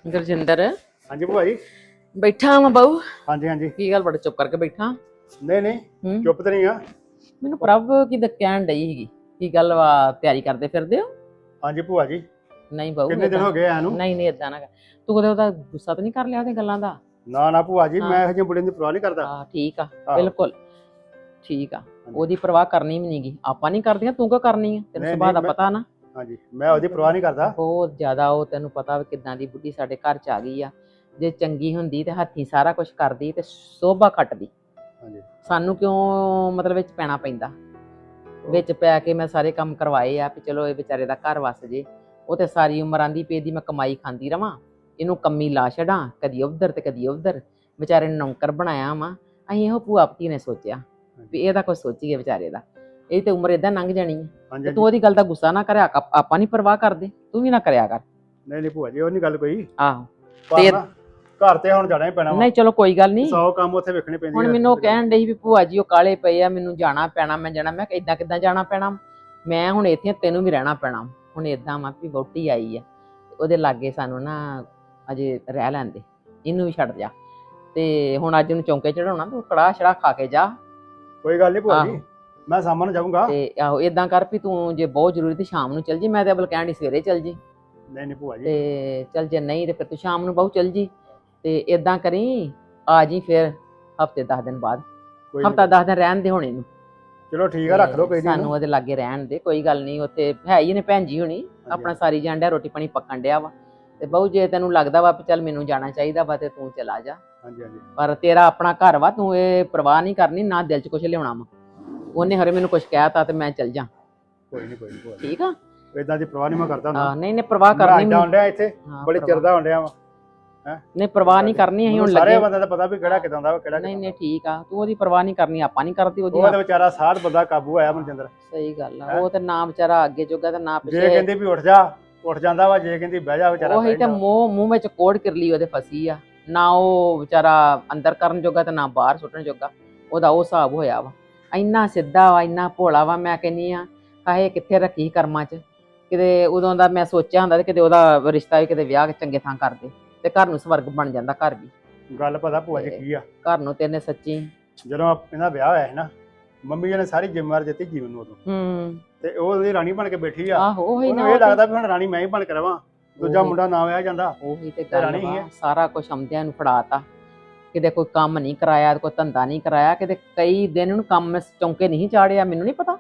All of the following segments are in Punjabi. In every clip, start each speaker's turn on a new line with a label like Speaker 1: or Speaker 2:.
Speaker 1: ਗੁਰਜਿੰਦਰ
Speaker 2: ਹਾਂਜੀ ਭੂਆ ਜੀ।
Speaker 1: ਬੈਠਾ ਵਾਂ ਬਾਊ।
Speaker 2: ਹਾਂਜੀ ਹਾਂਜੀ।
Speaker 1: ਕੀ ਗੱਲ ਬੜਾ ਚੁੱਪ ਕਰਕੇ ਬੈਠਾ?
Speaker 2: ਨਹੀਂ ਨਹੀਂ ਚੁੱਪ ਤੇ ਨਹੀਂ ਆ।
Speaker 1: ਮੈਨੂੰ ਪ੍ਰਭ ਕੀ ਕਹਿਣ ਡਈ ਸੀਗੀ। ਕੀ ਗੱਲ ਵਾ, ਤਿਆਰੀ ਕਰਦੇ ਫਿਰਦੇ ਹੋ?
Speaker 2: ਹਾਂਜੀ ਭੂਆ ਜੀ।
Speaker 1: ਨਹੀਂ ਬਾਊ,
Speaker 2: ਕਿੰਨੇ ਦਿਨ ਹੋ ਗਏ ਆ ਨੂੰ?
Speaker 1: ਨਹੀਂ ਏਦਾਂ ਨਾ ਕਰ। ਤੂੰ ਕਦੇ ਉਹਦਾ ਗੁੱਸਾ ਤਾਂ ਨਹੀਂ ਕਰ ਲਿਆ ਉਹਦੀਆਂ ਗੱਲਾਂ ਦਾ?
Speaker 2: ਨਾ ਨਾ ਭੂਆ ਜੀ, ਮੈਂ ਇਹੋ ਜਿਹੇ ਬੁੜੇ ਦੀ ਪਰਵਾਹ ਨਹੀਂ ਕਰਦਾ।
Speaker 1: ਹਾਂ ਠੀਕ ਆ, ਬਿਲਕੁਲ ਠੀਕ ਆ। ਉਹਦੀ ਪਰਵਾਹ ਕਰਨੀ ਵੀ ਨਹੀਂਗੀ, ਆਪਾਂ ਨਹੀਂ ਕਰਦੀਆਂ, ਤੂੰ ਕਿਉਂ ਕਰਨੀ ਆ? ਤੈਨੂੰ ਸੁਭਾਅ ਦਾ ਪਤਾ ਨਾ।
Speaker 2: ਹਾਂਜੀ, ਮੈਂ ਉਹਦੀ ਪਰਵਾਹ ਨਹੀਂ ਕਰਦਾ।
Speaker 1: ਬਹੁਤ ਜ਼ਿਆਦਾ ਉਹ ਤੈਨੂੰ ਪਤਾ ਕਿੱਦਾਂ ਦੀ ਬੁੱਢੀ ਸਾਡੇ ਘਰ ਚ ਆ ਗਈ ਆ। ਜੇ ਚੰਗੀ ਹੁੰਦੀ ਤੇ ਹੱਥੀਂ ਸਾਰਾ ਕੁਝ ਕਰਦੀ ਤੇ ਸੋਭਾ ਖੱਟਦੀ।
Speaker 2: ਹਾਂਜੀ।
Speaker 1: ਸਾਨੂੰ ਕਿਉਂ ਮਤਲਬ ਵਿੱਚ ਪੈਣਾ ਪੈਂਦਾ? ਵਿੱਚ ਪੈ ਕੇ ਮੈਂ ਸਾਰੇ ਕੰਮ ਕਰਵਾਏ ਆ ਵੀ ਚਲੋ ਇਹ ਵਿਚਾਰੇ ਦਾ ਘਰ ਵਸ ਜੇ। ਉਹ ਤੇ ਸਾਰੀ ਉਮਰ ਆਂਦੀ ਪਈ ਦੀ ਮੈਂ ਕਮਾਈ ਖਾਂਦੀ ਰਵਾਂ, ਇਹਨੂੰ ਕੰਮੀ ਲਾ ਛੱਡਾਂ, ਕਦੀ ਉਧਰ ਤੇ ਕਦੀ ਉਧਰ। ਵਿਚਾਰੇ ਨੂੰ ਨੌਕਰ ਬਣਾਇਆ ਵਾ। ਅਸੀਂ ਇਹੋ ਭੂਆ ਪਤੀ ਨੇ ਸੋਚਿਆ ਵੀ ਇਹਦਾ ਕੁਝ ਸੋਚੀਏ ਵਿਚਾਰੇ ਦਾ। ਇਹ ਤੇ ਉਮਰ ਏਦਾਂ ਲੰਘ ਜਾਣੀ ਹੈ ਤੇ ਤੂੰ ਉਹਦੀ ਗੱਲ ਦਾ ਗੁੱਸਾ ਨਾ ਕਰਿਆ। ਆਪਾਂ ਨਹੀਂ ਪਰਵਾਹ ਕਰਦੇ, ਤੂੰ ਵੀ ਨਾ ਕਰਿਆ ਕਰ।
Speaker 2: ਨਹੀਂ ਨਹੀਂ ਭੂਆ ਜੀ, ਉਹ ਨਹੀਂ ਗੱਲ ਕੋਈ।
Speaker 1: ਆਹੋ
Speaker 2: ਤੇ ਘਰ ਤੇ ਹੁਣ ਜਾਣਾ ਹੀ ਪੈਣਾ ਵਾ।
Speaker 1: ਨਹੀਂ ਚਲੋ ਕੋਈ ਗੱਲ ਨਹੀਂ,
Speaker 2: 100 ਕੰਮ ਉੱਥੇ ਵੇਖਣੇ ਪੈਂਦੇ।
Speaker 1: ਹੁਣ ਮੈਨੂੰ ਉਹ ਕਹਿਣ ਡਈ ਵੀ ਭੂਆ ਜੀ ਉਹ ਕਾਲੇ ਪਏ ਆ, ਮੈਨੂੰ ਜਾਣਾ ਪੈਣਾ, ਮੈਂ ਜਾਣਾ। ਮੈਂ ਕਿਹਾ ਕਿੱਦਾਂ ਜਾਣਾ ਪੈਣਾ? ਮੈਂ ਹੁਣ ਇੱਥੇ ਤੈਨੂੰ ਵੀ ਰਹਿਣਾ ਪੈਣਾ। ਹੁਣ ਏਦਾਂ ਵਾ ਵੀ ਵਹੁਟੀ ਆਈ ਆ, ਉਹਦੇ ਲਾਗੇ ਸਾਨੂੰ ਨਾ ਅਜੇ ਰਹਿ ਲੈਂਦੇ, ਇਹਨੂੰ ਵੀ ਛੱਡ ਜਾ। ਤੇ ਹੁਣ ਅੱਜ ਉਹਨੂੰ ਚੌਂਕੇ ਚੜਾਉਣਾ, ਤੂੰ ਕੜਾਹ ਛੜਾ ਖਾ ਕੇ ਜਾ।
Speaker 2: ਕੋਈ ਗੱਲ ਨਹੀਂ ਭੂਆ ਜੀ, ਮੈਂ ਸਾਹਮਣੇ ਜਾਊਂਗਾ।
Speaker 1: ਤੇ ਆਹੋ ਏਦਾਂ ਕਰ ਵੀ ਤੂੰ ਜੇ ਬਹੁਤ ਜ਼ਰੂਰੀ ਤੇ ਸ਼ਾਮ ਨੂੰ ਚੱਲ ਜੀ। ਮੈਂ ਤੇ ਅਬਲ ਕਹਿਣ ਡਈ ਸਵੇਰੇ ਚੱਲ ਜੀ।
Speaker 2: ਨਹੀਂ ਨਹੀਂ ਭੂਆ ਜੀ।
Speaker 1: ਤੇ ਚੱਲ ਜੇ ਨਹੀਂ ਤੇ ਫਿਰ ਤੂੰ ਸ਼ਾਮ ਨੂੰ ਬਹੁ ਚੱਲ ਜੀ। ਤੇ ਏਦਾਂ ਕਰੀ ਆ ਜੀ ਫਿਰ ਹਫਤੇ 10 ਦਿਨ ਬਾਅਦ। ਹਫਤਾ 10 ਦਿਨ ਰਹਿਣ ਦੇ ਹੁਣ ਇਹਨੂੰ।
Speaker 2: ਚਲੋ ਠੀਕ ਆ, ਰੱਖ ਲਓ ਕੋਈ ਨਹੀਂ।
Speaker 1: ਸਾਨੂੰ ਉਹਦੇ ਲਾਗੇ ਰਹਿਣ ਦੇ, ਕੋਈ ਗੱਲ ਨਹੀਂ। ਉੱਥੇ ਹੈ ਹੀ ਨੇ ਭੈਣ ਜੀ ਹੁਣੀ, ਆਪਣਾ ਸਾਰੀ ਜਾਣ ਡਿਆ, ਰੋਟੀ ਪਾਣੀ ਪੱਕਣ ਡਿਆ ਵਾ। ਤੇ ਬਹੁ ਜੇ ਤੈਨੂੰ ਲੱਗਦਾ ਵਾ ਵੀ ਚੱਲ ਮੈਨੂੰ ਜਾਣਾ ਚਾਹੀਦਾ ਵਾ ਤੇ ਤੂੰ ਚਲਾ ਜਾ।
Speaker 2: ਹਾਂਜੀ ਹਾਂਜੀ।
Speaker 1: ਪਰ ਤੇਰਾ ਆਪਣਾ ਘਰ ਵਾ, ਤੂੰ ਇਹ ਪਰਵਾਹ ਨਹੀਂ ਕਰਨੀ, ਨਾ ਦਿਲ 'ਚ ਕੁਝ ਲਿਆਉਣਾ ਵਾ। ਉਹਨੇ ਹਰੇ ਮੈਨੂੰ ਕੁਝ ਕਹਿਤਾ ਤੇ ਮੈਂ ਚੱਲ ਜਾ।
Speaker 2: ਕੋਈ ਨਹੀਂ ਕੋਈ ਨਹੀਂ ਭੂਆ ਜੀ,
Speaker 1: ਠੀਕ ਆ।
Speaker 2: ਇਦਾਂ ਦੀ ਪਰਵਾਹ ਨਹੀਂ ਮੈਂ ਕਰਦਾ ਹੁੰਦਾ।
Speaker 1: ਨਹੀਂ ਨਹੀਂ ਪਰਵਾਹ ਕਰਨੀ
Speaker 2: ਮੈਂ ਆਉਂਦਾ ਇੱਥੇ ਬੜੇ ਚਿਰ ਦਾ ਆਉਂਦਿਆ ਵਾ।
Speaker 1: ਨਹੀਂ ਪਰਵਾਹ ਨਹੀਂ ਕਰਨੀ, ਅਸੀਂ ਹੁਣ ਲੱਗੇ।
Speaker 2: ਸਾਰੇ ਬੰਦੇ ਦਾ ਪਤਾ ਵੀ ਕਿਹੜਾ ਕਿਦਾਂ ਦਾ, ਕਿਹੜਾ
Speaker 1: ਨਹੀਂ ਨਹੀਂ ਠੀਕ ਆ। ਤੂੰ ਉਹਦੀ ਪਰਵਾਹ ਨਹੀਂ ਕਰਨੀ, ਆਪਾਂ ਨਹੀਂ ਕਰਦੀ ਉਹਦੀ।
Speaker 2: ਉਹ ਤੇ ਵਿਚਾਰਾ ਸਾਧ ਬੰਦਾ ਕਾਬੂ ਆਇਆ ਮਨਜਿੰਦਰ।
Speaker 1: ਸਹੀ ਗੱਲ ਆ। ਉਹ ਤੇ ਨਾ ਵਿਚਾਰਾ ਅੱਗੇ ਜੋਗਾ ਤੇ ਨਾ ਪਿੱਛੇ।
Speaker 2: ਜੇ ਕਹਿੰਦੀ ਵੀ ਉੱਠ ਜਾ, ਉੱਠ ਜਾਂਦਾ ਵਾ। ਜੇ ਕਹਿੰਦੀ ਬਹਿ ਜਾ, ਵਿਚਾਰਾ
Speaker 1: ਉਹੀ ਤੇ ਮੂੰਹ ਵਿੱਚ ਕੋੜ ਕਿਰਲੀ ਉਹਦੇ ਫਸੀ ਆ। ਨਾ ਉਹ ਵਿਚਾਰਾ ਅੰਦਰ ਕਰਨ ਜੋਗਾ ਤੇ ਨਾ ਬਾਹਰ ਸੁੱਟਣ ਜੋਗਾ। ਉਹਦਾ ਉਹ ਹਿਸਾਬ ਹੋਇਆ ਵਾ। ਇੰਨਾ ਸਿੱਧਾ ਵਾ, ਇੰਨਾ ਭੋਲਾ ਵਾ। ਮੈਂ ਕਹਿੰਦੀ ਆ ਕਾਹੇ ਕਿੱਥੇ ਰੱਖੀ ਕਰਮਾਂ 'ਚ। ਕਿਤੇ ਉਦੋਂ ਦਾ ਮੈਂ ਸੋਚਿਆ ਹੁੰਦਾ ਤੇ ਕਿਤੇ ਉਹਦਾ ਰਿਸ਼ਤਾ ਵੀ ਕਿਤੇ ਵਿਆਹ ਚੰਗੇ ਥਾਂ ਕਰਦੇ ਤੇ ਘਰ ਨੂੰ ਸਵਰਗ ਬਣ ਜਾਂਦਾ। ਘਰ ਵੀ
Speaker 2: ਗੱਲ ਪਤਾ ਭੂਆ ਜੀ ਕੀ ਆ,
Speaker 1: ਘਰ ਨੂੰ ਤੈਨੇ ਸੱਚੀ
Speaker 2: ਜਦੋਂ ਇਹਦਾ ਵਿਆਹ ਹੋਇਆ ਸੀ ਨਾ, ਮੰਮੀ ਜੀ ਨੇ ਸਾਰੀ ਜ਼ਿੰਮੇਵਾਰੀ ਦਿੱਤੀ ਜੀਵਨ ਨੂੰ ਉਦੋਂ। ਤੇ ਉਹ ਉਹਦੀ ਰਾਣੀ ਬਣ ਕੇ ਬੈਠੀ ਆ।
Speaker 1: ਆਹੋ ਉਹੀ ਨਾ,
Speaker 2: ਉਹਨੂੰ ਇਹ ਲੱਗਦਾ ਵੀ ਹੁਣ ਰਾਣੀ ਮੈਂ ਹੀ ਬਣ ਕੇ ਰਵਾਂ, ਦੂਜਾ ਮੁੰਡਾ ਨਾ ਵਿਆਹ ਜਾਂਦਾ।
Speaker 1: ਉਹੀ ਤੇ ਗੱਲ ਵਾ। ਸਾਰਾ ਕੁਝ ਆਉਂਦਿਆਂ ਨੂੰ ਫੜਾਤਾ। ਕਿਤੇ ਕੋਈ ਕੰਮ ਨਹੀਂ ਕਰਾਇਆ, ਕੋਈ ਧੰਦਾ ਨਹੀਂ ਕਰਾਇਆ। ਕਿਤੇ ਕਈ ਦਿਨ ਨੂੰ ਕੰਮ ਚੌਂਕੇ ਨਹੀਂ ਚਾੜਿਆ। ਮੈਨੂੰ ਨਹੀਂ ਪਤਾ,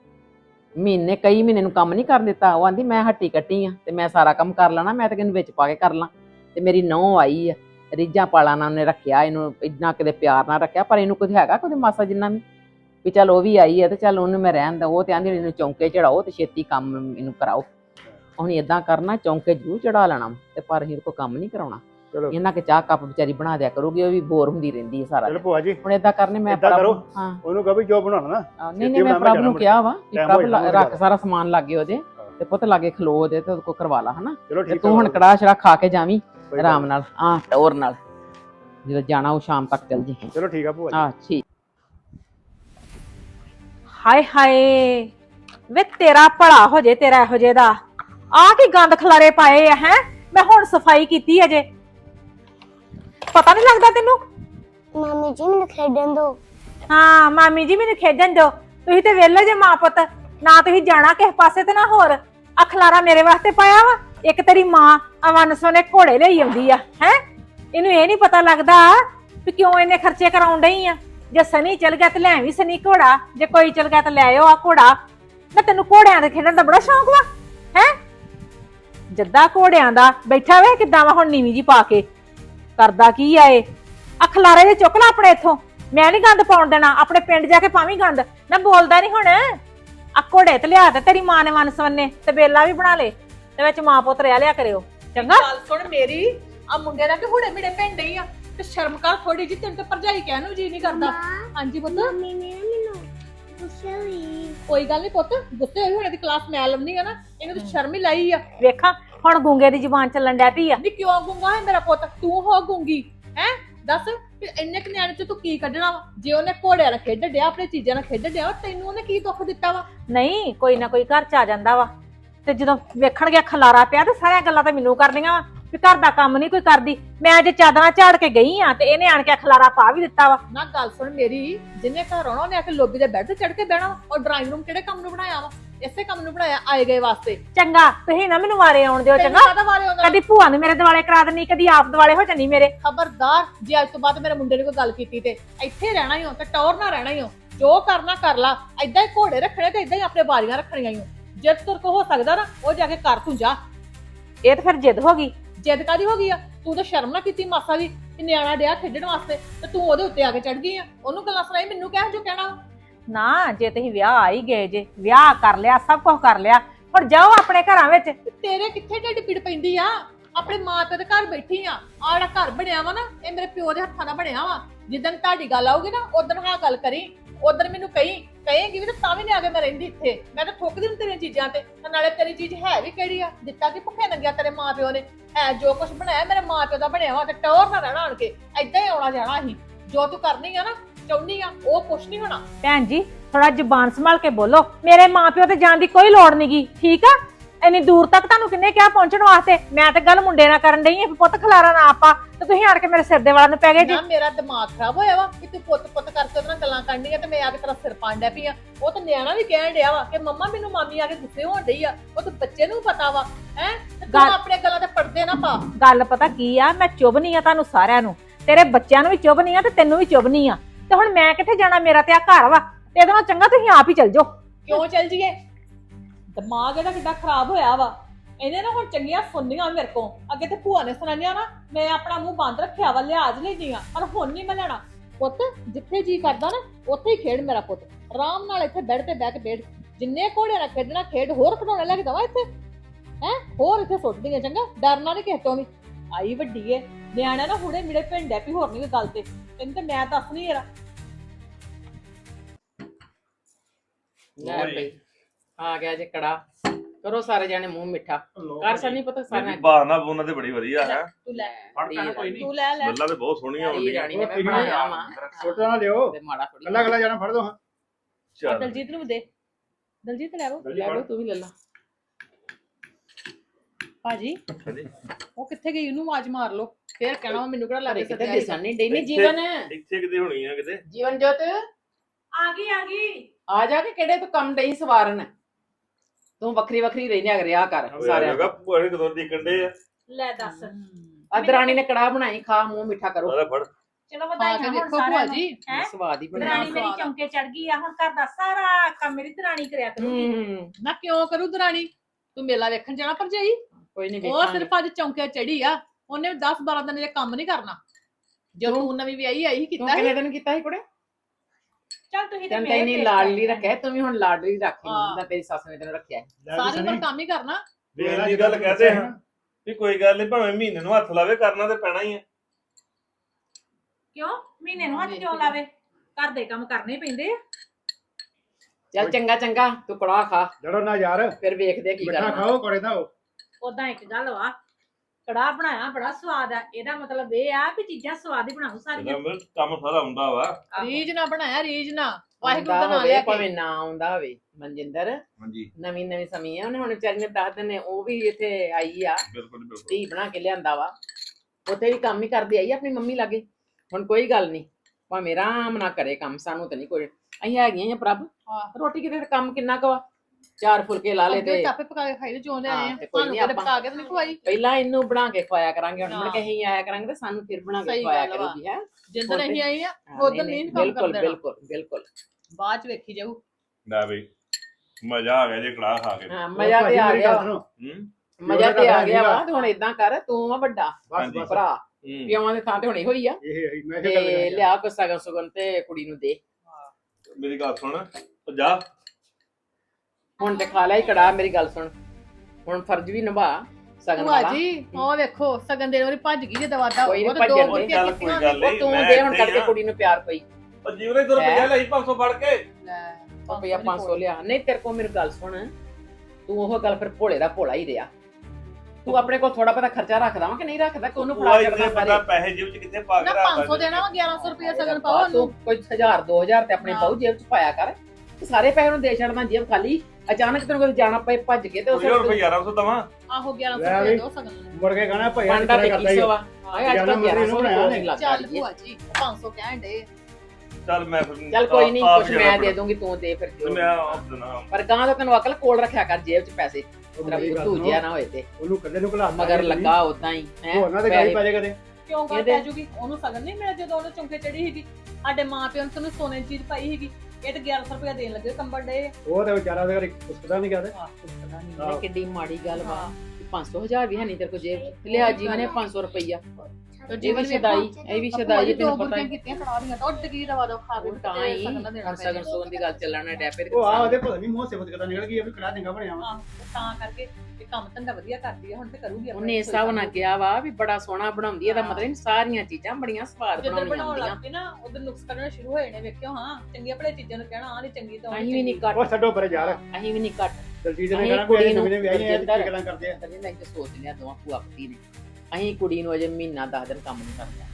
Speaker 1: ਮਹੀਨੇ ਕਈ ਮਹੀਨੇ ਨੂੰ ਕੰਮ ਨਹੀਂ ਕਰਨ ਦਿੱਤਾ। ਉਹ ਆਂਦੀ ਮੈਂ ਹੱਟੀ ਕੱਟੀ ਆ ਤੇ ਮੈਂ ਸਾਰਾ ਕੰਮ ਕਰ ਲੈਣਾ, ਮੈਂ ਤਾਂ ਕਿਹਨੂੰ ਵਿੱਚ ਪਾ ਕੇ ਕਰ ਲਾਂ। ਤੇ ਮੇਰੀ ਨੂੰਹ ਆਈ ਆ, ਰੀਝਾਂ ਪਾਲਾਂ ਨਾਲ ਉਹਨੇ ਰੱਖਿਆ ਇਹਨੂੰ, ਇੰਨਾ ਕਿਤੇ ਪਿਆਰ ਨਾਲ ਰੱਖਿਆ। ਪਰ ਇਹਨੂੰ ਕੁਝ ਹੈਗਾ ਕੋਈ ਮਾਸਾ ਜਿੰਨਾ ਵੀ ਚੱਲ ਉਹ ਵੀ ਆਈ ਆ ਤੇ ਚੱਲ ਉਹਨੂੰ ਮੈਂ ਰਹਿਣ ਦਾ। ਉਹ ਤੇ ਆਂਦੀ ਇਹਨੂੰ ਚੌਂਕੇ ਚੜਾਓ ਤੇ ਛੇਤੀ ਕੰਮ ਇਹਨੂੰ ਕਰਾਓ। ਹੁਣ ਏਦਾਂ ਕਰਨਾ, ਚੌਂਕੇ ਜ਼ਰੂਰ ਚੜਾ ਲੈਣਾ ਤੇ ਪਰ ਇਹਦੇ ਕੋਲ ਕੰਮ ਨਹੀਂ ਕਰਾਉਣਾ। ਇਹਨਾਂ ਕੇ ਚਾਹ ਕੱਪ ਵਿਚਾਰੀ ਬਣਾ ਦਿਆ ਕਰੂਗੀ, ਉਹ ਵੀ ਬੋਰ ਹੁੰਦੀ ਰਹਿੰਦੀ ਹੈ ਸਾਰਾ।
Speaker 2: ਚਲ ਭੂਆ ਜੀ
Speaker 1: ਹੁਣ ਏਦਾਂ ਕਰਨੇ ਮੈਂ
Speaker 2: ਹਾਂ ਉਹਨੂੰ ਕਹੋ ਵੀ ਜੋ ਬਣਾਉਣਾ ਨਾ।
Speaker 1: ਨਹੀਂ ਨਹੀਂ ਮੈਂ ਪ੍ਰਭ ਨੂੰ ਕਿਹਾ ਵਾ ਕਿ ਪ੍ਰਭ ਰੱਖ ਸਾਰਾ ਸਮਾਨ ਲਾਗੇ ਉਹਦੇ ਤੇ ਪੁੱਤ ਲਾਗੇ ਖਲੋ ਉਹਦੇ ਤੇ ਉਹਦੇ ਕੋਲ ਕਰਵਾ ਲਾ ਹਨਾ। ਤੇ ਤੂੰ ਹੁਣ ਕੜਾਹ ਛੜਾ ਖਾ ਕੇ ਜਾਵੀਂ ਆਰਾਮ ਨਾਲ, ਟੌਰ ਨਾਲ। ਜਦੋਂ ਜਾਣਾ ਉਹ ਸ਼ਾਮ ਤੱਕ ਚੱਲ ਜੀ।
Speaker 2: ਚਲੋ ਠੀਕ ਆ ਭੂਆ ਜੀ।
Speaker 1: ਠੀਕ।
Speaker 3: ਹਾਏ ਹਾਏ ਵੇ ਤੇਰਾ ਭਲਾ ਹੋ ਜੇ, ਤੇਰਾ ਇਹੋ ਜੇ ਦਾ ਆ ਕੀ ਗੰਦ ਖਲਾਰੇ ਪਾਏ ਆ। ਹੈ ਮੈਂ ਹੁਣ ਸਫਾਈ ਕੀਤੀ ਅਜੇ, ਪਤਾ ਨਹੀਂ ਲੱਗਦਾ ਤੈਨੂੰ?
Speaker 4: ਮਾਮੀ ਜੀ ਮੈਨੂੰ ਖੇਡਣ ਦੋ।
Speaker 3: ਹਾਂ ਮਾਮੀ ਜੀ ਮੈਨੂੰ ਖੇਡਣ ਦਿਓ। ਤੁਸੀਂ ਤੇ ਵਿਹਲੇ ਜੇ ਮਾਂ ਪੁੱਤ, ਨਾ ਤੁਸੀਂ ਜਾਣਾ ਕਿਸੇ ਪਾਸੇ ਤੇ ਨਾ ਹੋਰ। ਆ ਖਲਾਰਾ ਮੇਰੇ ਵਾਸਤੇ ਪਾਇਆ ਵਾ। ਇੱਕ ਤੇਰੀ ਮਾਂ ਅਵਨਸੋ ਨੇ ਘੋੜੇ ਲਈ ਆਉਂਦੀ ਆ। ਹੈ ਇਹਨੂੰ ਇਹ ਨਹੀਂ ਪਤਾ ਲੱਗਦਾ ਵੀ ਕਿਉਂ ਇਹਨੇ ਖਰਚੇ ਕਰਾਉਣ ਡਈ ਆ। ਜੇ ਸਨੀ ਚਲ ਗਿਆ ਤੇ ਲੈ ਵੀ ਸਨੀ ਘੋੜਾ, ਜੇ ਕੋਈ ਚਲ ਗਿਆ ਤੇ ਲੈ ਆਓ ਆ ਘੋੜਾ। ਨਾ ਤੈਨੂੰ ਘੋੜਿਆਂ ਦੇ ਖੇਡਣ ਦਾ ਬੜਾ ਸ਼ੌਂਕ ਵਾ। ਹੈ ਜੱਦਾ ਘੋੜਿਆਂ ਦਾ ਬੈਠਾ ਵੇ ਕਿੱਦਾਂ ਵਾ ਹੁਣ ਨੀਵੀਂ ਜੀ ਪਾ ਕੇ। ਕਰਦਾ ਕੀ ਆ ਇਹ? ਆ ਖਲਾਰੇ ਦੇ ਚੁੱਕ ਲਾ ਆਪਣੇ ਇੱਥੋਂ। ਮੈਂ ਨੀ ਗੰਦ ਪਾਉਣ ਦੇਣਾ। ਆਪਣੇ ਪਿੰਡ ਜਾ ਕੇ ਪਾਵੀਂ ਗੰਦ। ਨਾ ਬੋਲਦਾ ਨੀ ਹੁਣ। ਆ ਘੋੜੇ ਤੇ ਲਿਆ ਤੇ ਤੇਰੀ ਮਾਂ ਨੇ ਵਨਸਵੰਨੇ ਤੇ ਬੇਲਾ ਵੀ ਬਣਾ ਲੇ ਤੇ ਵਿੱਚ ਮਾਂ ਪੁੱਤ ਰਹਿ ਲਿਆ ਕਰਿਓ ਚੰਗਾ।
Speaker 5: ਗੱਲ ਸੁਣ ਮੇਰੀ, ਆ ਮੁੰਡੇ ਦਾ ਕਿ ਹੁਣੇ ਮਿੜੇ ਪਿੰਡ ਹੀ ਆ ਤੇ ਸ਼ਰਮ ਕਰ ਥੋੜੀ ਜਿਹੀ। ਤੈਨੂੰ ਤੇ ਭਰਜਾਈ ਕਹਿਣ ਨੂੰ ਜੀ ਨਹੀਂ ਕਰਦਾ। ਹਾਂਜੀ ਪੁੱਤ।
Speaker 4: ਮੰਮੀ ਨੇ ਮੈਨੂੰ ਗੁੱਸੇ ਹੋਈ।
Speaker 5: ਕੋਈ ਗੱਲ ਨਹੀਂ ਪੁੱਤ, ਗੁੱਸੇ ਹੋਈ ਹੁਣੇ ਦੀ ਕਲਾਸ ਮੈਂ ਲਾਉਣੀ ਆ ਨਾ, ਇਹਨੂੰ ਤਾਂ ਸ਼ਰਮ ਹੀ ਲਾਈ ਆ।
Speaker 3: ਵੇਖਾਂ ਹੁਣ ਗੂੰਗੇ ਦੀ ਜ਼ੁਬਾਨ ਚੱਲਣ ਡੈ ਪਈ ਆ।
Speaker 5: ਨਹੀਂ ਕਿਉਂ ਗੁੰਗਾ ਹੈ ਮੇਰਾ ਪੁੱਤ? ਤੂੰ ਹੋ ਗੁੰਗੀ ਹੈ? ਦੱਸ ਵੀ ਇੰਨੇ ਕੁ ਨਿਆਣੇ ਚ ਤੂੰ ਕੀ ਕੱਢਣਾ ਵਾ? ਜੇ ਉਹਨੇ ਘੋੜਿਆਂ ਨਾਲ ਖੇਡ ਡਿਆ, ਆਪਣੇ ਚੀਜ਼ਾਂ ਨਾਲ ਖੇਡ ਡਿਆ, ਤੈਨੂੰ ਉਹਨੇ ਕੀ ਦੁੱਖ ਦਿੱਤਾ ਵਾ?
Speaker 3: ਨਹੀਂ ਕੋਈ ਨਾ ਕੋਈ ਘਰ ਚ ਆ ਜਾਂਦਾ ਵਾ ਤੇ ਜਦੋਂ ਵੇਖਣ ਗਿਆ ਖਲਾਰਾ ਪਿਆ ਤੇ ਸਾਰੀਆਂ ਗੱਲਾਂ ਤਾਂ ਮੈਨੂੰ ਕਰਨੀਆਂ ਵਾ ਵੀ ਘਰ ਦਾ ਕੰਮ ਨਹੀਂ ਕੋਈ ਕਰਦੀ। ਮੈਂ ਅੱਜ ਚਾਦਰਾਂ ਝਾੜ ਕੇ ਗਈ ਆ ਤੇ ਇਹਨੇ ਆਣ ਕੇ ਖਲਾਰਾ ਪਾ ਵੀ ਦਿੱਤਾ ਵਾ।
Speaker 5: ਨਾ ਗੱਲ ਸੁਣ ਮੇਰੀ, ਜਿੰਨੇ ਘਰ ਆਉਣਾ ਉਹਨੇ ਆ ਕੇ ਲੋਬੀ ਦੇ ਬੈੱਡ ਤੇ ਚੜ ਕੇ ਬਹਿਣਾ ਵਾ। ਔਰ ਡਰਾਇੰਗ ਰੂਮ ਕਿਹੜੇ ਕੰਮ ਨੂੰ ਬਣਾਇਆ ਵਾ? ਇਸੇ ਕੰਮ ਨੂੰ ਬਣਾਇਆ, ਆਏ ਗਏ ਵਾਸਤੇ।
Speaker 3: ਚੰਗਾ ਤੁਸੀਂ ਨਾ ਮੈਨੂੰ ਵਾਰੇ ਆਉਣ ਦਿਓ,
Speaker 5: ਤੈਨੂੰ
Speaker 3: ਚੰਗਾ।
Speaker 5: ਕਾਹਦਾ ਵਾਰੇ ਆਉਂਦਾ?
Speaker 3: ਕਦੀ ਭੂਆ ਨੂੰ ਮੇਰੇ ਦਿਵਾਲੇ ਕਰਾ ਦੇਣੀ, ਕਦੀ ਆਪ ਦਿਵਾਲੇ ਹੋ ਜਾਣੀ ਮੇਰੇ।
Speaker 5: ਖਬਰਦਾਰ ਜੇ ਅੱਜ ਤੋਂ ਬਾਅਦ ਮੇਰੇ ਮੁੰਡੇ ਨੇ ਕੋਈ ਗੱਲ ਕੀਤੀ ਤੇ ਇੱਥੇ ਰਹਿਣਾ ਹੀ ਹੋ ਤੇ ਟੌਰ ਨਾ ਰਹਿਣਾ ਹੀ ਹੋ। ਜੋ ਕਰਨਾ ਕਰ ਲਾ। ਏਦਾਂ ਹੀ ਘੋੜੇ ਰੱਖਣੇ ਤੇ ਏਦਾਂ ਹੀ ਆਪਣੇ ਬਾਰੀਆਂ ਰੱਖਣੀਆਂ ਹੀ ਹੋ। ਜਿੱਦ ਤੁਰ ਕੋ ਹੋ ਸਕਦਾ ਨਾ ਉਹ ਜਾ ਕੇ ਕਰ ਤੂੰ ਜਾ।
Speaker 3: ਇਹ ਤਾਂ ਫਿਰ ਜਿੱਦ ਹੋ ਗਈ।
Speaker 5: ਜਿੱਦ ਕਾਦੀ ਹੋ ਗਈ ਆ? ਤੂੰ ਤਾਂ ਸ਼ਰਮ ਨਾ ਕੀਤੀ ਮਾਸਾ ਵੀ ਕਿ ਨਿਆਣਾ ਡਿਆ ਖੇਡਣ ਵਾਸਤੇ ਤੇ ਤੂੰ ਉਹਦੇ ਉੱਤੇ ਆ ਕੇ ਚੜ ਗਈ ਆ। ਉਹਨੂੰ ਗੱਲਾਂ ਸੁਣਾਈ, ਮੈਨੂੰ ਕਹਿ ਜੋ ਕਹਿਣਾ ਵਾ।
Speaker 3: ਨਾ ਜੇ ਤੁਸੀਂ ਵਿਆਹ ਆ ਹੀ ਗਏ ਜੇ, ਵਿਆਹ ਕਰ ਲਿਆ, ਸਭ ਕੁਝ ਕਰ ਲਿਆ, ਹੁਣ ਜਾਓ ਆਪਣੇ ਘਰਾਂ ਵਿੱਚ।
Speaker 5: ਤੇ ਤੇਰੇ ਕਿੱਥੇ ਢਿੱਡ ਪੀੜ ਪੈਂਦੀ ਆ? ਆਪਣੇ ਮਾਂ ਪਿਓ ਦੇ ਘਰ ਬੈਠੀ ਆ। ਆ ਜਿਹੜਾ ਘਰ ਬਣਿਆ ਵਾ ਨਾ, ਇਹ ਮੇਰੇ ਪਿਓ ਦੇ ਹੱਥਾਂ ਨਾਲ ਬਣਿਆ ਵਾ। ਜਿੱਦਣ ਤੁਹਾਡੀ ਗੱਲ ਆਊਗੀ ਨਾ ਉਦੋਂ ਹਾਂ ਗੱਲ ਕਰੀ। ਉਦੋਂ ਮੈਨੂੰ ਕਹੇਂਗੀ ਵੀ ਤਾਂ ਵੀ ਨਹੀਂ ਆ ਕੇ ਮੈਂ ਰਹਿੰਦੀ ਇੱਥੇ। ਮੈਂ ਤਾਂ ਠੋਕਦੀ ਨਹੀਂ ਤੇਰੀਆਂ ਚੀਜ਼ਾਂ ਤੇ ਨਾਲੇ ਤੇਰੀ ਚੀਜ਼ ਹੈ ਵੀ ਕਿਹੜੀ ਆ? ਦਿੱਤਾ ਕਿ ਭੁੱਖੇ ਨੰਗਿਆ ਤੇਰੇ ਮਾਂ ਪਿਓ ਨੇ। ਹੈ ਜੋ ਕੁਝ ਬਣਾਇਆ ਮੇਰੇ ਮਾਂ ਪਿਓ ਦਾ ਬਣਿਆ ਵਾ ਤੇ ਟੌਰ ਨਾ ਰਹਿਣਾ ਆਣ ਕੇ। ਏਦਾਂ ਹੀ ਆਉਣਾ ਜਾਣਾ ਅਸੀਂ। ਜੋ ਤੂੰ ਕਰਨੀ ਆ ਨਾ, ਚਾਹੁੰਦੀ ਆ, ਉਹ ਕੁਛ ਨਹੀਂ ਹੋਣਾ।
Speaker 3: ਭੈਣ ਜੀ ਥੋੜਾ ਜ਼ੁਬਾਨ ਸੰਭਾਲ ਕੇ ਬੋਲੋ। ਮੇਰੇ ਮਾਪਿਓ ਤੇ ਜਾਣ ਦੀ ਕੋਈ ਲੋੜ ਨਹੀਂਗੀ, ਠੀਕ ਆ? ਇੰਨੀ ਦੂਰ ਤੱਕ ਤੁਹਾਨੂੰ ਕਿੰਨੇ ਕਿਹਾ ਪਹੁੰਚਣ ਵਾਸਤੇ? ਮੈਂ ਤਾਂ ਗੱਲ ਮੁੰਡੇ ਨਾਲ ਕਰਨ ਡਈ ਆ ਵੀ ਪੁੱਤ ਖਲਾਰਾ ਨਾ ਆਪਾ, ਤੇ ਤੁਸੀਂ ਆਣ ਕੇ ਮੇਰੇ ਸਿਰ ਦੇ ਵਾਲਾਂ ਨੂੰ ਪੈ ਗਏ ਜੀ।
Speaker 5: ਨਾ ਮੇਰਾ ਦਿਮਾਗ ਖਰਾਬ ਹੋਇਆ ਵਾ ਕਿ ਤੂੰ ਪੁੱਤ ਕਰਕੇ ਉਹਦੇ ਨਾਲ ਗੱਲਾਂ ਕਰਨੀਆਂ ਤੇ ਮੈਂ ਆ ਕੇ ਤੇਰਾ ਸਿਰ ਪਾਣ ਡੈ ਪਈ ਆ। ਉਹ ਤਾਂ ਨਿਆਣਾ ਵੀ ਕਹਿਣ ਡਿਆ ਵਾ ਕਿ ਮੰਮਾ ਮੈਨੂੰ ਮਾਮੀ ਆ ਕੇ ਗੁੱਸੇ ਹੋਣ ਡਈ ਆ। ਉਹ ਤਾਂ ਬੱਚੇ ਨੂੰ ਪਤਾ ਵਾ ਹੈ। ਤੂੰ ਆਪਣੇ ਗੱਲਾਂ ਤੇ ਪੜਦੇ ਨਾ ਪਾ।
Speaker 3: ਗੱਲ ਪਤਾ ਕੀ ਆ, ਮੈਂ ਚੁੱਭਨੀ ਆ ਤੁਹਾਨੂੰ ਸਾਰਿਆਂ ਨੂੰ, ਤੇਰੇ ਬੱਚਿਆਂ ਨੂੰ ਵੀ ਚੁੱਭਨੀ ਆ ਤੇ ਤੈਨੂੰ ਵੀ ਚੁੱਭਨੀ ਆ। ਤੇ ਹੁਣ ਮੈਂ ਕਿੱਥੇ ਜਾਣਾ? ਮੇਰਾ ਤੇ ਆ ਘਰ ਵਾ, ਤੇ ਇਹਦੇ ਨਾਲ ਚੰਗਾ ਤੁਸੀਂ ਆਪ ਹੀ ਚੱਲ ਜਾਓ।
Speaker 5: ਕਿਉਂ ਚੱਲ ਜੀਏ? ਦਿਮਾਗ ਇਹਦਾ ਕਿੱਡਾ ਖਰਾਬ ਹੋਇਆ ਵਾ। ਇਹਨੇ ਨਾ ਹੁਣ ਚੰਗੀਆਂ ਸੁਣਨੀਆਂ ਮੇਰੇ ਕੋਲ। ਅੱਗੇ ਤੇ ਭੂਆ ਨੇ ਸੁਣਾਈਆਂ ਨਾ, ਮੈਂ ਆਪਣਾ ਮੂੰਹ ਬੰਦ ਰੱਖਿਆ ਵਾ, ਲਿਹਾਜ਼ ਲੈਂਦੀਆਂ। ਪਰ ਹੁਣ ਨਹੀਂ ਮੈਂ ਲੈਣਾ। ਪੁੱਤ ਜਿੱਥੇ ਜੀ ਕਰਦਾ ਨਾ ਉੱਥੇ ਹੀ ਖੇਡ ਮੇਰਾ ਪੁੱਤ। ਆਰਾਮ ਨਾਲ ਇੱਥੇ ਬੈੱਡ ਤੇ ਬਹਿ ਕੇ ਖੇਡ। ਜਿੰਨੇ ਘੋੜੇ ਨਾਲ ਖੇਡਣਾ ਖੇਡ। ਹੋਰ ਖਿਡੌਣੇ ਲੈ ਕੇ ਦਵਾ ਇੱਥੇ ਹੈ? ਹੋਰ ਇੱਥੇ ਸੁੱਟਦੀਆਂ ਚੰਗਾ। ਡਰਨਾ ਨਹੀਂ ਕਿਸੇ ਤੋਂ ਵੀ। ਆਈ ਵੱਡੀ ਏ ਨਿਆਣਾ ਨਾ ਹੁਣੇ ਮਿਲੇ ਪਿੰਡ ਵੀ ਹੋਰ ਨਹੀਂ ਗੱਲ ਤੇ ਤੈਨੂੰ ਤੇ ਮੈਂ ਦੱਸ ਨਹੀਂ ਯਾਰ।
Speaker 1: ਲੈ ਬਈ ਆ ਗਿਆ ਜੇ ਕੜਾ। ਕਰੋ ਸਾਰੇ ਜਾਣੇ ਮੂੰਹ ਮਿੱਠਾ ਕਰ। ਸਰ ਨਹੀਂ ਪਤਾ ਸਾਰਾ
Speaker 6: ਬਹਾਨਾ ਬੋਨਾ ਤੇ ਬੜੀ ਵਧੀਆ ਹੈ।
Speaker 5: ਤੂੰ ਲੈ
Speaker 6: ਫੜ ਲੈਣਾ ਕੋਈ ਨਹੀਂ।
Speaker 5: ਤੂੰ ਲੈ
Speaker 6: ਗੱਲਾਂ ਤੇ ਬਹੁਤ ਸੋਹਣੀਆਂ
Speaker 1: ਰਾਣੀ
Speaker 6: ਹੁੰਦੀਆਂ।
Speaker 1: ਨੇ ਬਣਾਇਆ ਵਾ
Speaker 2: ਛੋਟਾ ਨਾ ਲਿਓ,
Speaker 1: ਤੇ ਮਾੜਾ ਥੋੜੀ
Speaker 2: ਕੱਲਾ ਕੱਲਾ ਜਾਣਾ ਫੜ ਦੋ। ਹਾਂ
Speaker 6: ਚੱਲ
Speaker 5: ਦਲਜੀਤ ਨੂੰ ਵੀ ਦੇ। ਦਲਜੀਤ ਲੈ ਲਓ।
Speaker 1: ਲੈ ਲਓ, ਤੂੰ ਵੀ ਲੈ ਲਾ।
Speaker 5: ਭਾਜੀ
Speaker 6: ਹਾਂਜੀ।
Speaker 5: ਉਹ ਕਿੱਥੇ ਗਈ? ਉਹਨੂੰ ਆਵਾਜ਼ ਮਾਰ ਲਓ। ਫੇਰ ਕਹਿਣਾ ਵਾ ਮੈਨੂੰ ਕਿਹੜਾ ਲੱਗੇ
Speaker 1: ਕਿਤੇ ਦਿਸਣ ਨਹੀਂ ਡਈ। ਨਹੀਂ ਜੀਵਨ,
Speaker 6: ਇੱਥੇ ਕਿਤੇ ਹੋਣੀ ਆ ਕਿਤੇ।
Speaker 1: ਜੀਵਨ ਜੋਤ
Speaker 3: ਆ ਗਈ।
Speaker 1: ਆ ਜਾ ਕੇ ਕਿਹੜੇ ਤੂੰ ਕੰਮ ਡਈ ਸਵਾਰਨ? ਤੂੰ ਵੱਖਰੀ ਵੱਖਰੀ ਰਹਿਣਾ ਕਰਿਆ ਕਰ ਸਾਰਿਆਂ
Speaker 6: ਜਗ੍ਹਾ ਭੂਆ ਨੇ ਕਦੋਂ ਦੀ ਕੰਡੇ ਆ।
Speaker 3: ਲੈ ਦੱਸ।
Speaker 1: ਅਦਰਾਣੀ ਨੇ ਕੜਾ ਬਣਾਈ, ਖਾ ਮੂੰਹ ਮਿੱਠਾ ਕਰੋ।
Speaker 6: ਸਾਰਾ ਫੜ।
Speaker 3: ਚਲੋ
Speaker 5: ਖਾ
Speaker 3: ਵਧਾਈਆਂ
Speaker 5: ਕੇ
Speaker 3: ਹੁਣ
Speaker 5: ਵੇਖੋ ਭੂਆ
Speaker 3: ਸਾਰਿਆਂ ਨੂੰ।
Speaker 5: ਜੀ।
Speaker 3: ਹੈਂ?
Speaker 1: ਸਵਾਦ ਹੀ ਬਣਿਆ।
Speaker 3: ਦਰਾਣੀ ਮੇਰੀ ਚੌਂਕੇ ਚੜ ਗਈ ਆ। ਹੁਣ ਘਰ ਦਾ ਸਾਰਾ ਕੰਮ ਮੇਰੀ ਦਰਾਣੀ ਕਰਿਆ ਕਰੂਗੀ।
Speaker 5: ਨਾ ਕਿਉਂ ਕਰੂ ਦਰਾਣੀ? ਤੂੰ ਮੇਲਾ ਵੇਖਣ ਜਾਣਾ ਭਰਜਾਈ?
Speaker 1: ਕੋਈ ਨਹੀਂ
Speaker 5: ਉਹ ਸਿਰਫ ਅੱਜ ਚੌਂਕੇ ਚੜੀ ਆ। ਉਹਨੇ 10-12 ਦਿਨ ਇਹ ਕੰਮ ਨਹੀਂ ਕਰਨਾ। ਜਦੋਂ ਤੂੰ ਨਵੀਂ ਵਿਆਹੀ ਆਈ
Speaker 1: ਤੂੰ
Speaker 5: ਕੀਤਾ
Speaker 1: ਕਿੰਨੇ ਦਿਨ ਕੀਤਾ ਸੀ ਕੁੜੇ?
Speaker 3: ਚੱਲ ਤੁਸੀਂ ਤੇ
Speaker 1: ਤੈਨੂੰ
Speaker 3: ਮੇਰੇ
Speaker 1: ਨਹੀਂ
Speaker 3: ਪੇਸ਼
Speaker 1: ਲਾਡਲੀ
Speaker 3: ਕਰ
Speaker 1: ਰੱਖਿਆ, ਤੂੰ ਵੀ ਹੁਣ ਲਾਡਲੀ ਰੱਖ
Speaker 5: ਹਾਂ।
Speaker 1: ਜਿੱਦਾਂ ਤੇਰੀ ਸੱਸ ਨੇ ਤੈਨੂੰ ਰੱਖਿਆ ਹੈ।
Speaker 5: ਸਾਰੀ ਉਮਰ ਕੰਮ ਹੀ ਕਰਨਾ।
Speaker 6: ਵੀ ਇੰਨੀ ਗੱਲ ਕਹਦੇ ਹਾਂ ਵੀ ਕੋਈ ਗੱਲ ਨਹੀਂ, ਭਾਵੇਂ ਮਹੀਨੇ ਨੂੰ ਹੱਥ ਲਾਵੇ, ਕਰਨਾ ਤੇ ਪੈਣਾ ਹੀ ਆ।
Speaker 3: ਕਿਉਂ ਮਹੀਨੇ ਨੂੰ ਹੱਥ ਕਿਉਂ ਲਾਵੇ? ਘਰ ਦੇ ਕੰਮ ਕਰਨੇ ਪੈਂਦੇ ਆ।
Speaker 1: ਚੱਲ ਚੰਗਾ ਚੰਗਾ, ਤੂੰ ਕੜਾ ਖਾ,
Speaker 2: ਜੜੋ ਨਾ ਯਾਰ,
Speaker 1: ਫਿਰ ਵੇਖਦੇ ਆ ਕੀ
Speaker 2: ਮਿੱਠਾ
Speaker 1: ਕਰਨਾ।
Speaker 2: ਖਾਓ ਕੋੜੇ ਦਾ।
Speaker 3: ਉਦਾਂ ਇੱਕ ਗੱਲ ਵਾ, ਕੜਾਹ ਬਣਾਇਆ ਬੜਾ ਸਵਾਦ ਆ। ਇਹਦਾ ਮਤਲਬ ਇਹ ਆ ਵੀ ਚੀਜ਼ਾਂ ਸਵਾਦ ਹੀ ਬਣਾਉ ਸਾਰੀਆਂ।
Speaker 6: ਇਹਦਾ ਮਤਲਬ ਕੰਮ ਸਾਰਾ ਹੁੰਦਾ ਵਾ।
Speaker 5: ਰੀਜ ਨਾ ਬਣਾਇਆ, ਰੀਜ ਨਾ। ਵਾਹਿਗੁਰੂ
Speaker 1: ਆਉਂਦਾ
Speaker 5: ਦਾ ਨਾਮ
Speaker 1: ਹੋਵੇ
Speaker 5: ਲਿਆ
Speaker 1: ਭਾਵੇਂ
Speaker 5: ਕੇ।
Speaker 1: ਨਾ ਆਉਂਦਾ ਹੋਵੇ। ਮਨਜਿੰਦਰ
Speaker 6: ਹਾਂਜੀ
Speaker 1: ਨਵੀਂ ਸਮੀ ਆ, ਉਹਨੇ ਹੁਣ ਵਿਚਾਰੀ ਨੇ 10 ਦਿਨ ਉਹ ਵੀ ਇੱਥੇ ਆਈ ਆ,
Speaker 6: ਬਿਲਕੁਲ ਬਿਲਕੁਲ।
Speaker 1: ਧੀ ਬਣਾ ਕੇ ਲਿਆਂਦਾ ਵਾ। ਉੱਥੇ ਵੀ ਕੰਮ ਹੀ ਕਰਦੀ ਆਈ ਆਪਣੀ ਮੰਮੀ ਲਾਗੇ। ਹੁਣ ਕੋਈ ਗੱਲ ਨਹੀਂ, ਭਾਵੇਂ ਆਰਾਮ ਨਾ ਕਰੇ ਕੰਮ, ਸਾਨੂੰ ਤਾਂ ਨਹੀਂ ਕੋਈ। ਅਸੀਂ ਹੈਗੀਆਂ ਆ ਪ੍ਰਭ। ਰੋਟੀ ਕਿਤੇ ਕੰਮ ਕਿੰਨਾ ਕੁ ਵਾ? 4 ਫੁਲਕੇ ਲਾ ਲੇ ਤੇ
Speaker 5: ਚਾਪੇ ਪਕਾ ਕੇ ਖਾਈ ਤੇ ਜੋ ਲੈ ਆਏ ਆ।
Speaker 1: ਤੇ ਕੋਈ
Speaker 5: ਤੁਹਾਨੂੰ
Speaker 1: ਨੀ
Speaker 5: ਕਿਤੇ
Speaker 1: ਆਪਾਂ-
Speaker 5: ਪਕਾ ਕੇ ਤੇ ਨਹੀਂ ਖਵਾਈ।
Speaker 1: ਪਹਿਲਾਂ ਇਹਨੂੰ ਬਣਾ ਕੇ ਖਵਾਇਆ ਕਰਾਂਗੇ, ਹੁਣ ਮੁੜ ਕੇ
Speaker 5: ਹਾਂ।
Speaker 1: ਅਸੀਂ ਆਇਆ ਕਰਾਂਗੇ ਤੇ ਸਾਨੂੰ ਫਿਰ ਬਣਾ ਕੇ
Speaker 5: ਸਹੀ
Speaker 1: ਖਵਾਇਆ
Speaker 5: ਗੱਲ ਵਾ।
Speaker 1: ਕਰੂਗੀ। ਹੈ
Speaker 5: ਜਿੱਦਣ
Speaker 1: ਹੁਣ ਤੇ-
Speaker 5: ਅਸੀਂ ਆਏ ਆ
Speaker 1: ਹਾਂ,
Speaker 5: ਉਦੋਂ ਨਹੀਂ ਕੰਮ
Speaker 1: ਬਿਲਕੁਲ
Speaker 5: ਕਰਦੇ
Speaker 1: ਬਿਲਕੁਲ ਬਿਲਕੁਲ।
Speaker 5: ਬਾਅਦ ਚ ਵੇਖੀ ਜਾਊ।
Speaker 6: ਲੈ ਬਈ ਮਜ਼ਾ ਆ ਗਿਆ ਜੇ ਕੜਾਹ ਖਾ ਕੇ।
Speaker 1: ਹਾਂ, ਮਜ਼ਾ ਤੇ ਆ ਗਿਆ ਵਾ।
Speaker 6: ਹੂੰ
Speaker 1: ਮਜ਼ਾ ਤੇ ਆ ਗਿਆ ਵਾ। ਤੇ ਹੁਣ ਇਦਾਂ ਕਰ, ਤੂੰ ਆ ਵੱਡਾ
Speaker 2: ਬਸ ਬਸ
Speaker 1: ਭਰਾ,
Speaker 6: ਹੂੰ।
Speaker 1: ਪਿਓਾਂ ਦੇ ਥਾਂ ਤੇ ਹੋਣੀ ਹੋਈ ਆ।
Speaker 2: ਇਹ ਮੈਂ ਇਹ ਗੱਲ
Speaker 1: ਤੇ
Speaker 2: ਕਰਨੀ
Speaker 1: ਲਿਆ ਕੋ ਸਗਨ ਸੁਗਨ ਤੇ ਕੁੜੀ ਨੂੰ ਦੇ।
Speaker 6: ਮੇਰੀ ਗੱਲ ਸੁਣ, ਉਹ ਜਾ।
Speaker 1: ਹੁਣ ਤੇ ਖਾ ਲਿਆ ਹੀ ਕੜਾ। ਮੇਰੀ ਗੱਲ ਸੁਣ, ਹੁਣ ਫਰਜ਼ ਵੀ ਨਿਭਾ ਸਗਨ
Speaker 5: ਭੂਆ
Speaker 1: ਵਾਲਾ।
Speaker 5: ਜੀ ਉਹ ਵੇਖੋ ਸਗਨ ਦੇਣ ਵਾਲੀ ਭੱਜ ਗਈ ਜੇ ਦਵਾਦਾ।
Speaker 1: ਕੋਈ ਨੀ
Speaker 5: ਉਹ ਤਾਂ ਦੋ
Speaker 1: ਭੱਜਣ
Speaker 5: ਮੁੜ
Speaker 1: ਦੇ।
Speaker 5: ਕੇ
Speaker 6: ਚੱਲ
Speaker 5: ਕੀਤੀਆਂ
Speaker 6: ਕੋਈ ਗੱਲ
Speaker 5: ਨੇ।
Speaker 1: ਉਹ ਤੂੰ ਦੇ ਹੁਣ ਕਰਕੇ ਕੁੜੀ ਨੂੰ ਪਿਆਰ ਪਈ।
Speaker 6: ਉਹ ਜੀਵਨੇ ਤੁਰ ਪਿਆ ਲਈ 500 ਫੜ ਕੇ।
Speaker 5: ਲੈ,
Speaker 1: ਉਹ ਪਿਆ 500 ਲਿਆ। ਨਹੀਂ ਤੇਰੇ ਕੋਲ ਮੇਰੀ ਗੱਲ ਸੁਣ, ਤੂੰ ਉਹ ਗੱਲ ਫਿਰ ਭੋਲੇ ਦਾ ਭੋਲਾ ਹੀ ਰਿਹਾ। ਤੂੰ ਆਪਣੇ ਕੋਲ ਥੋੜਾ ਬਹੁਤਾ ਖਰਚਾ ਰੱਖਦਾ ਵਾ ਕਿ ਨਹੀਂ ਰੱਖਦਾ? ਕਿ ਉਹਨੂੰ ਫੜਾ
Speaker 6: ਕੋਈ
Speaker 1: ਕਰਨਾ
Speaker 6: ਬੰਦਾ ਪੈਸੇ ਜੇਬ ਚ ਕਿੱਥੇ ਪਾ ਕੇ
Speaker 5: ਨਾ
Speaker 6: ਰੱਖਦਾ?
Speaker 5: 500 ਦੇਣਾ ਵਾ, 1100 ਰੁਪਏ ਸਗਨ ਪਾਓ
Speaker 1: ਤੂੰ
Speaker 5: ਉਹਨੂੰ।
Speaker 1: ਕੋਈ 1000 2000 ਤੇ ਆਪਣੇ
Speaker 5: ਹਾਂ।
Speaker 1: ਬਹੁ ਜੇਬ ਚ ਪਾਇਆ ਕਰ। ਤੇ ਸਾਰੇ ਪੈਸੇ ਉਹਨੂੰ ਦੇ ਛੱਡਦਾ, ਜੇਬ ਖਾਲੀ। ਅਚਾਨਕ ਤੈਨੂੰ ਕੋਈ ਜਾਣਾ ਪਏ ਭੱਜ ਕੇ ਤੇ
Speaker 6: ਕੋਈ ਹੋਰ ਕੋਈ 1100 ਦਵਾਂ
Speaker 5: ਆਹੋ 1100
Speaker 2: ਲੈ
Speaker 5: ਰੁਪਏ
Speaker 2: ਵੀ।
Speaker 5: ਦੋ ਸਗਨ ਨੂੰ
Speaker 2: ਮੁੜ ਕੇ ਕਹਣਾ ਭਈਆ
Speaker 1: ਪੰਡਾ
Speaker 2: ਕਿਹੜਾ ਕਰਦਾ ਹੀ
Speaker 1: 2100 ਆ ਹਾਏ ਅੱਜ ਕੱਲ 1100 ਨਹੀਂ ਲੱਗਦਾ
Speaker 5: ਚੱਲ ਭੂਆ ਜੀ 500 ਕਹਿਣ ਡੇ
Speaker 6: ਚੱਲ ਮੈਂ ਫਿਰ
Speaker 1: ਚੱਲ ਕੋਈ ਨਹੀਂ
Speaker 6: ਆਪ
Speaker 1: ਕੁਛ
Speaker 6: ਜਾਣਾ
Speaker 1: ਮੈਂ
Speaker 6: ਪੈਣਾ।
Speaker 1: ਦੇ ਦੂੰਗੀ ਤੂੰ ਦੇ ਫਿਰ ਜੋ
Speaker 6: ਮੈਂ ਆਪ ਦੇਣਾ
Speaker 1: ਪਰ ਗਾਂ ਦਾ ਤੈਨੂੰ ਅਕਲ ਕੋਲ ਰੱਖਿਆ ਕਰ ਜੇਬ 'ਚ ਪੈਸੇ
Speaker 2: ਉਹ
Speaker 1: ਤੇਰਾ
Speaker 2: ਮੇਰੀ ਗੱਲ
Speaker 1: ਬੁੱਧੂ
Speaker 2: ਸੁਣੋ,
Speaker 1: ਜਿਆ ਨਾ ਹੋਏ ਤੇ
Speaker 2: ਉਹਨੂੰ ਕੱਲੇ ਨੂੰ ਘਲਾ
Speaker 1: ਮਗਰ ਲੱਗਾ ਉਦਾਂ ਹੀ ਹੈ
Speaker 2: ਉਹਨਾਂ ਦੇ ਗਾਲੀ ਪਾ ਜੇ ਕਦੇ
Speaker 5: ਕਿਉਂ ਗੱਲ
Speaker 1: ਇਹਦੇ-
Speaker 5: ਪੈ ਜੂਗੀ ਉਹਨੂੰ ਸਗਨ ਨਹੀਂ ਮਿਲਿਆ ਜਦੋਂ ਉਹਨੂੰ ਚੌਂਕੇ ਚੜੀ ਸੀਗੀ ਸਾਡੇ ਮਾਂ ਪਿਓ ਨੇ ਤੈਨੂੰ ਸੋਨੇ ਦੀ ਚੀਜ਼ ਪਾਈ ਸੀਗੀ ਇਹ ਤੇ 1100 ਰੁਪਏ ਦੇਣ ਲੱਗੇ ਕੰਬਲ ਡੇ
Speaker 2: ਉਹ ਤੇ ਵਿਚਾਰਾ ਦੇ ਘਰ ਪੁੱਛਦਾ ਨਹੀਂ ਕਹਦੇ
Speaker 1: ਇਹ ਕਿੱਡੀ ਮਾੜੀ ਗੱਲ ਵਾ 500,000 ਵੀ ਹੈ ਨਹੀਂ ਤੇਰੇ ਕੋਲ ਜੇਬ 'ਚ। ਲਿਆ ਜੀਵਨ ਨੇ 500 ਰੁਪਈਆ ਤੇ ਜੀਵਨ ਸ਼ਦਾਈ ਇਹ ਵੀ ਸ਼ਦਾਈ ਤੈਨੂੰ ਪਤਾ ਹੀ
Speaker 5: ਕੀਤੀਆਂ ਖੜਾ ਦੀਆਂ ਤਾਂ ਉੱਡ ਗਈ ਦਵਾ ਦੋ ਖਾ ਕੇ
Speaker 1: ਤਾਂ ਹੀ ਹੁਣ ਸਗਨ ਸੁਗਨ ਦੀ ਗੱਲ ਚੱਲਣਾ ਡੈਪੇ
Speaker 2: ਉਹ ਆ ਉਹਦੇ ਪਤਾ ਨਹੀਂ ਮੂੰਹ ਸਿਫਤ ਕਰਦਾ ਨਿਕਲ ਗਈ ਇਹ ਵੀ ਕੜਾ ਚੰਗਾ ਬਣਿਆ ਵਾ
Speaker 5: ਤਾਂ ਕਰਕੇ ਇਹ ਕੰਮ ਧੰਦਾ ਵਧੀਆ ਕਰਦੀ ਹੈ ਹੁਣ ਤੇ ਕਰੂਗੀ
Speaker 1: ਉਹਨੇ ਇਸ ਹਿਸਾਬ ਨਾਲ ਕਿਹਾ ਵਾ ਵੀ ਬੜਾ ਸੋਹਣਾ ਬਣਾਉਂਦੀ ਹੈ, ਇਹਦਾ ਮਤਲਬ ਨਹੀਂ ਸਾਰੀਆਂ ਚੀਜ਼ਾਂ ਬੜੀਆਂ ਸਵਾਦ
Speaker 5: ਜਦੋਂ
Speaker 1: ਬਣਾਉਣੀਆਂ
Speaker 5: ਬਣਾਉਣ
Speaker 1: ਆਉਂਦੀਆਂ
Speaker 5: ਲੱਗ ਪਈ ਨਾ ਉਧਰ ਨੁਕਸ ਕੱਢਣਾ ਸ਼ੁਰੂ ਹੋਏ ਨੇ ਵੇਖਿਓ ਹਾਂ ਚੰਗੀਆਂ ਭਲੇ ਚੀਜ਼ਾਂ ਨੂੰ ਕਹਿਣਾ ਆ ਨਹੀਂ ਚੰਗੀ ਤਾਂ
Speaker 1: ਅਸੀਂ ਵੀ ਨਹੀਂ
Speaker 2: ਉਹ
Speaker 1: ਘੱਟ
Speaker 2: ਛੱਡੋ ਪਰੇ ਯਾਰ
Speaker 1: ਅਸੀਂ ਵੀ ਨਹੀਂ ਘੱਟ
Speaker 2: ਦਲਜੀਤ ਨੇ
Speaker 1: ਅਸੀਂ
Speaker 2: ਕਹਿਣਾ
Speaker 1: ਕੁੜੀ
Speaker 2: ਕੋਈ
Speaker 1: ਨੂੰ
Speaker 2: ਨਵੀਂ ਵਿਆਹੀ ਹੈ
Speaker 1: ਦਲਜਿੰਦਰ-
Speaker 2: ਕੀ ਗੱਲਾਂ ਕਰਦੇ ਆ
Speaker 1: ਕਦੇ ਨਹੀਂ ਤੇ ਸੋਚ ਲਿਆ ਦੋਵਾਂ ਭੂਆ ਪਤੀ ਨੇ ਅਸੀਂ ਕੁੜੀ ਨੂੰ ਅਜੇ ਮਹੀਨਾ 10 ਦਿਨ ਕੰਮ ਨਹੀਂ ਕਰਦਾ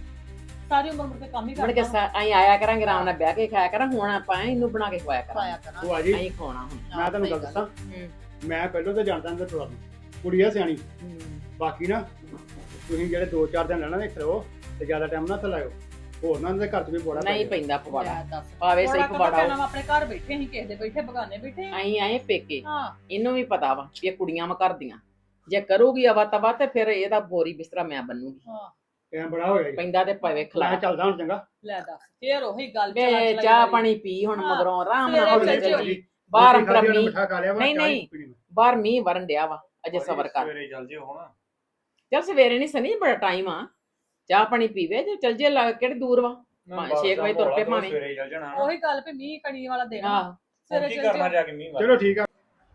Speaker 5: ਸਾਰੀ ਉਮਰ ਮੁੜ ਕੇ ਕੰਮ ਹੀ
Speaker 1: ਮੁੜ ਕੇ
Speaker 5: ਕਰਦਾ
Speaker 1: ਅਸੀਂ ਆਇਆ ਕਰਾਂਗੇ ਆਰਾਮ ਨਾਲ ਬਹਿ ਕੇ ਖਾਇਆ ਕਰਾਂ ਹੁਣ ਆਪਾਂ ਇਹਨੂੰ ਬਣਾ ਕੇ ਖਵਾਇਆ
Speaker 5: ਪਾਇਆ
Speaker 1: ਕਰਾਂਗੇ
Speaker 5: ਕਰਾਂ
Speaker 2: ਉਹ ਆ ਜੀ
Speaker 1: ਅਸੀਂ ਖਾਣਾ ਹੁਣ
Speaker 2: ਮੈਂ ਤੁਹਾਨੂੰ ਗੱਲ ਦੱਸਾਂ ਮੈਂ ਪਹਿਲਾਂ ਤਾਂ ਜਾਣਦਾ ਹੁੰਦਾ ਤੁਹਾਨੂੰ ਕੁੜੀ ਆ ਸਿਆਣੀ ਬਾਕੀ ਨਾ ਤੁਸੀਂ ਜਿਹੜੇ 2-4 ਦਿਨ ਰਹਿਣਾ ਇੱਥੇ ਰਹੋ ਤੇ ਜ਼ਿਆਦਾ ਟਾਈਮ ਨਾ ਲਾਇਓ ਹੋਰ ਨਾ ਉਹਨਾਂ ਦੇ ਘਰ 'ਚ ਵੀ ਬੜਾ
Speaker 1: ਨਹੀਂ ਪੈਂਦਾ ਪਵਾੜਾ
Speaker 5: ਲੈ ਦੱਸ
Speaker 1: ਪਾਵੇ ਸਹੀ ਪਵਾੜਾ
Speaker 5: ਪਹਿਲਾਂ ਆਪਣੇ ਘਰ ਬੈਠੇ ਸੀ ਕਿਸੇ ਦੇ ਬੈਠੇ ਬਗਾਨੇ ਬੈਠੇ
Speaker 1: ਅਸੀਂ ਆਏ ਪੇਕੇ
Speaker 5: ਹਾਂ
Speaker 1: ਇਹਨੂੰ ਵੀ ਪਤਾ ਵਾ ਵੀ ਇਹ ਕੁੜੀਆਂ ਵਾ ਕਰਦੀਆਂ ਜੇ ਕਰੂਗੀ ਅਵਾ ਤਵਾ ਤੇ ਫਿਰ ਇਹਦਾ ਬੋਰੀ ਬਿਸਤਰਾ ਮੈਂ ਬੰਨੂਗੀ
Speaker 5: ਹਾਂ
Speaker 2: ਟਾਈਮ ਬੜਾ ਹੋ ਗਿਆ ਜੀ
Speaker 1: ਪੈਂਦਾ ਤੇ ਪਵੇ
Speaker 2: ਮੈਂ
Speaker 1: ਖਲਾ
Speaker 2: ਚੱਲਦਾ ਹੁਣ ਚੰਗਾ
Speaker 5: ਲੈ ਦੱਸ ਫੇਰ ਉਹੀ ਗੱਲ
Speaker 1: ਵੇ
Speaker 5: ਚਲਾ ਚਲਾਈ
Speaker 1: ਚਾਹ
Speaker 5: ਵਾਲੀ।
Speaker 1: ਪਾਣੀ ਪੀ ਹੁਣ
Speaker 5: ਹਾਂ,
Speaker 1: ਮਗਰੋਂ ਆਰਾਮ
Speaker 5: ਸਵੇਰੇ
Speaker 1: ਨਾਲ
Speaker 5: ਚੱਲ
Speaker 1: ਚੱਲ
Speaker 5: ਜਿਓ।
Speaker 1: ਜੀ ਬਾਹਰ
Speaker 2: ਰੋਟੀ
Speaker 1: ਅੰਤਰਾ
Speaker 2: ਖਾਧੀ, ਉਹਨੇ
Speaker 1: ਮੀਂਹ
Speaker 2: ਮਿੱਠਾ ਖਾ ਲਿਆ ਵਾ,
Speaker 1: ਨਹੀਂ,
Speaker 2: ਚਾਹ
Speaker 1: ਨਹੀਂ।
Speaker 2: ਪੀਣੀ ਮੈਂ।
Speaker 1: ਬਾਹਰ ਮੀਂਹ ਵਰਨ ਡਿਆ ਵਾ ਅਜੇ ਸਬਰ ਕਰ
Speaker 6: ਸਵੇਰੇ ਚੱਲ ਜਿਓ ਹੁਣ
Speaker 1: ਚੱਲ ਸਵੇਰੇ ਨਹੀਂ ਸਨੀ ਬੜਾ ਟਾਈਮ ਆ ਚਾਹ ਪਾਣੀ ਪੀਵੇ ਜੇ ਚੱਲ ਜੇ ਕਿਹੜੀ ਦੂਰ ਵਾ 6 ਵਜੇ ਤੁਰ ਪਏ ਭਾਵੇਂ
Speaker 6: ਸਵੇਰੇ ਚੱਲ ਜਾਣਾ
Speaker 5: ਉਹੀ ਗੱਲ ਵੀ ਮੀਂਹ ਕਣੀ ਵਾਲਾ ਦੇਣਾ
Speaker 1: ਆਹ
Speaker 5: ਸਵੇਰੇ
Speaker 6: ਕੀ
Speaker 5: ਚੱਲ
Speaker 6: ਕਰਨਾ
Speaker 5: ਜਿਓ।
Speaker 6: ਜਾ ਕੇ ਮੀਂਹ ਵਾਲਾ
Speaker 2: ਚਲੋ ਠੀਕ ਆ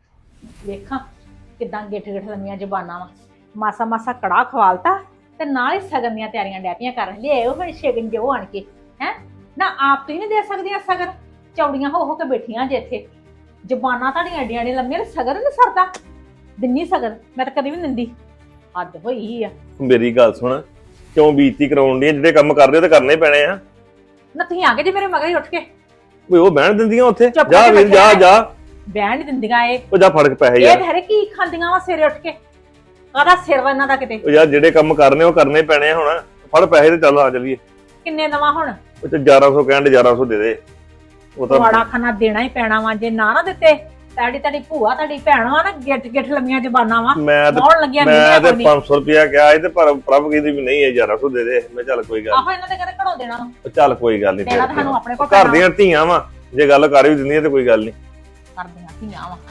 Speaker 3: ਵੇਖਾਂ ਕਿਦਾਂ ਗਿੱਠ ਗਿੱਠ ਲੰਮੀਆਂ ਜ਼ਬਾਨਾਂ ਵਾ ਮਾਸਾ ਮਾਸਾ ਕੜਾ ਖਵਾਲਤਾ ਤੇ ਨਾਲ ਹੀ ਸਗਨ ਦੀਆਂ ਤਿਆਰੀਆਂ ਡੈਪੀਆਂ ਕਰਨ ਲਈ ਉਹ ਹੁਣ ਸ਼ਗਨ ਜੋ ਆਣ ਕੇ ਹੈ ਨਾ ਆਪ ਤੁਸੀਂ ਨਹੀਂ ਦੇ ਸਕਦੀਆਂ ਸਗਨ ਚੌੜੀਆਂ ਹੋ ਕੇ ਬੈਠੀਆਂ ਜੇ ਇੱਥੇ ਜ਼ਬਾਨਾਂ ਤੁਹਾਡੀਆਂ ਏਡੀਆਂ ਏਡੀਆਂ ਲੰਮੀਆਂ ਤੇ ਸਗਨ ਨਹੀਂ ਸਰਦਾ ਦਿੰਨੀ ਸਗਨ ਮੈਂ ਤਾਂ ਕਦੀ ਵੀ ਨੀ ਦਿੰਦੀ ਹੱਦ ਹੋਈ ਆ
Speaker 6: ਮੇਰੀ ਗੱਲ ਸੁਣ ਕਿਉਂ ਬੀਤੀ ਕਰਾਉਣ ਦੀ ਜਿਹੜੇ ਕੰਮ ਕਰਦੇ ਉਹ ਤੇ ਕਰਨੇ ਪੈਣੇ ਆ
Speaker 3: ਨਾ ਤੁਸੀਂ ਆ ਗਏ ਜੇ ਮੇਰੇ ਮਗਰ ਹੀ ਉੱਠ ਕੇ
Speaker 6: ਓਏ ਉਹ ਬਹਿਣ ਦਿੰਦੀਆਂ ਉੱਥੇ
Speaker 3: ਚੁੱਪ
Speaker 6: ਜਾ
Speaker 3: ਕਰਕੇ
Speaker 6: ਵੀਰ ਜਾ
Speaker 3: ਬੈਠਿਆ
Speaker 6: ਜਾ
Speaker 3: ਬਹਿਣ ਨਹੀਂ ਦਿੰਦੀਆਂ ਇਹ
Speaker 6: ਉਹ ਜਾ ਫੜ ਕੇ ਪੈਸੇ
Speaker 3: ਇਹ
Speaker 6: ਯਾਰ
Speaker 3: ਧਰੇ ਕੀ ਖਾਂਦੀਆਂ ਵਾ ਸਵੇਰੇ ਉੱਠ ਕੇ ਕਾਹਦਾ ਸਿਰ ਵਾ ਇਹਨਾਂ ਦਾ ਕਿਤੇ
Speaker 6: ਉਹ ਯਾਰ ਜਿਹੜੇ ਕੰਮ ਕਰਨੇ ਉਹ ਕਰਨੇ ਪੈਣੇ ਆ ਹੁਣ ਫੜ ਪੈਸੇ ਤੇ ਚੱਲ ਆ ਚੱਲੀਏ
Speaker 3: ਕਿੰਨੇ ਨਵਾਂ ਹੁਣ
Speaker 6: ਉਹ ਤੇ 1100 ਕਹਿਣ ਦੇ 1100 ਦੇ ਦੇ ਉਹ ਤਾਂ
Speaker 3: ਵਾੜਾ ਖਾਣਾ ਦੇਣਾ ਹੀ ਪੈਣਾ ਵਾ ਜੇ ਨਾ ਦਿੱਤੇ ਤੁਹਾਡੀ ਭੂਆ ਤੁਹਾਡੀ ਭੈਣ ਵਾ ਨਾ ਗਿੱਠ ਗਿੱਠ ਲੰਮੀਆਂ ਜ਼ਬਾਨਾਂ ਵਾ
Speaker 6: ਮੈਂ ਤੇ
Speaker 3: ਬਹੁਤ ਲੱਗੀਆਂ
Speaker 6: ਮੈਂ ਤੇ
Speaker 3: ਨਹੀਂ
Speaker 6: 500 ਰੁਪਿਆ ਕਿਹਾ ਸੀ ਤੇ ਪਰ ਪ੍ਰਭ ਕਹਿੰਦੀ ਵੀ ਨਹੀਂ ਇਹ 1100 ਦੇ ਦੇ ਮੈਂ ਚੱਲ ਕੋਈ ਗੱਲ
Speaker 3: ਆਹੋ ਇਹਨਾਂ ਦੇ ਘਰੇ ਘੜੋ ਦੇਣਾ ਵਾ।
Speaker 6: ਨੀ। ਚੱਲ ਕੋਈ ਗੱਲ
Speaker 3: ਦੇਣਾ ਤਾਂ ਸਾਨੂੰ
Speaker 6: ਨਹੀਂ
Speaker 3: ਆਪਣੇ ਕੋਲ
Speaker 6: ਘਰ
Speaker 3: ਪੈਣਾ
Speaker 6: ਦੀਆਂ ਧੀਆਂ ਵਾ ਜੇ ਗੱਲ ਕਰ ਵੀ ਦਿੰਦੀਆਂ ਤੇ ਕੋਈ ਗੱਲ ਨਹੀਂ
Speaker 3: ਕਰਦੀਆਂ ਧੀਆਂ ਵਾ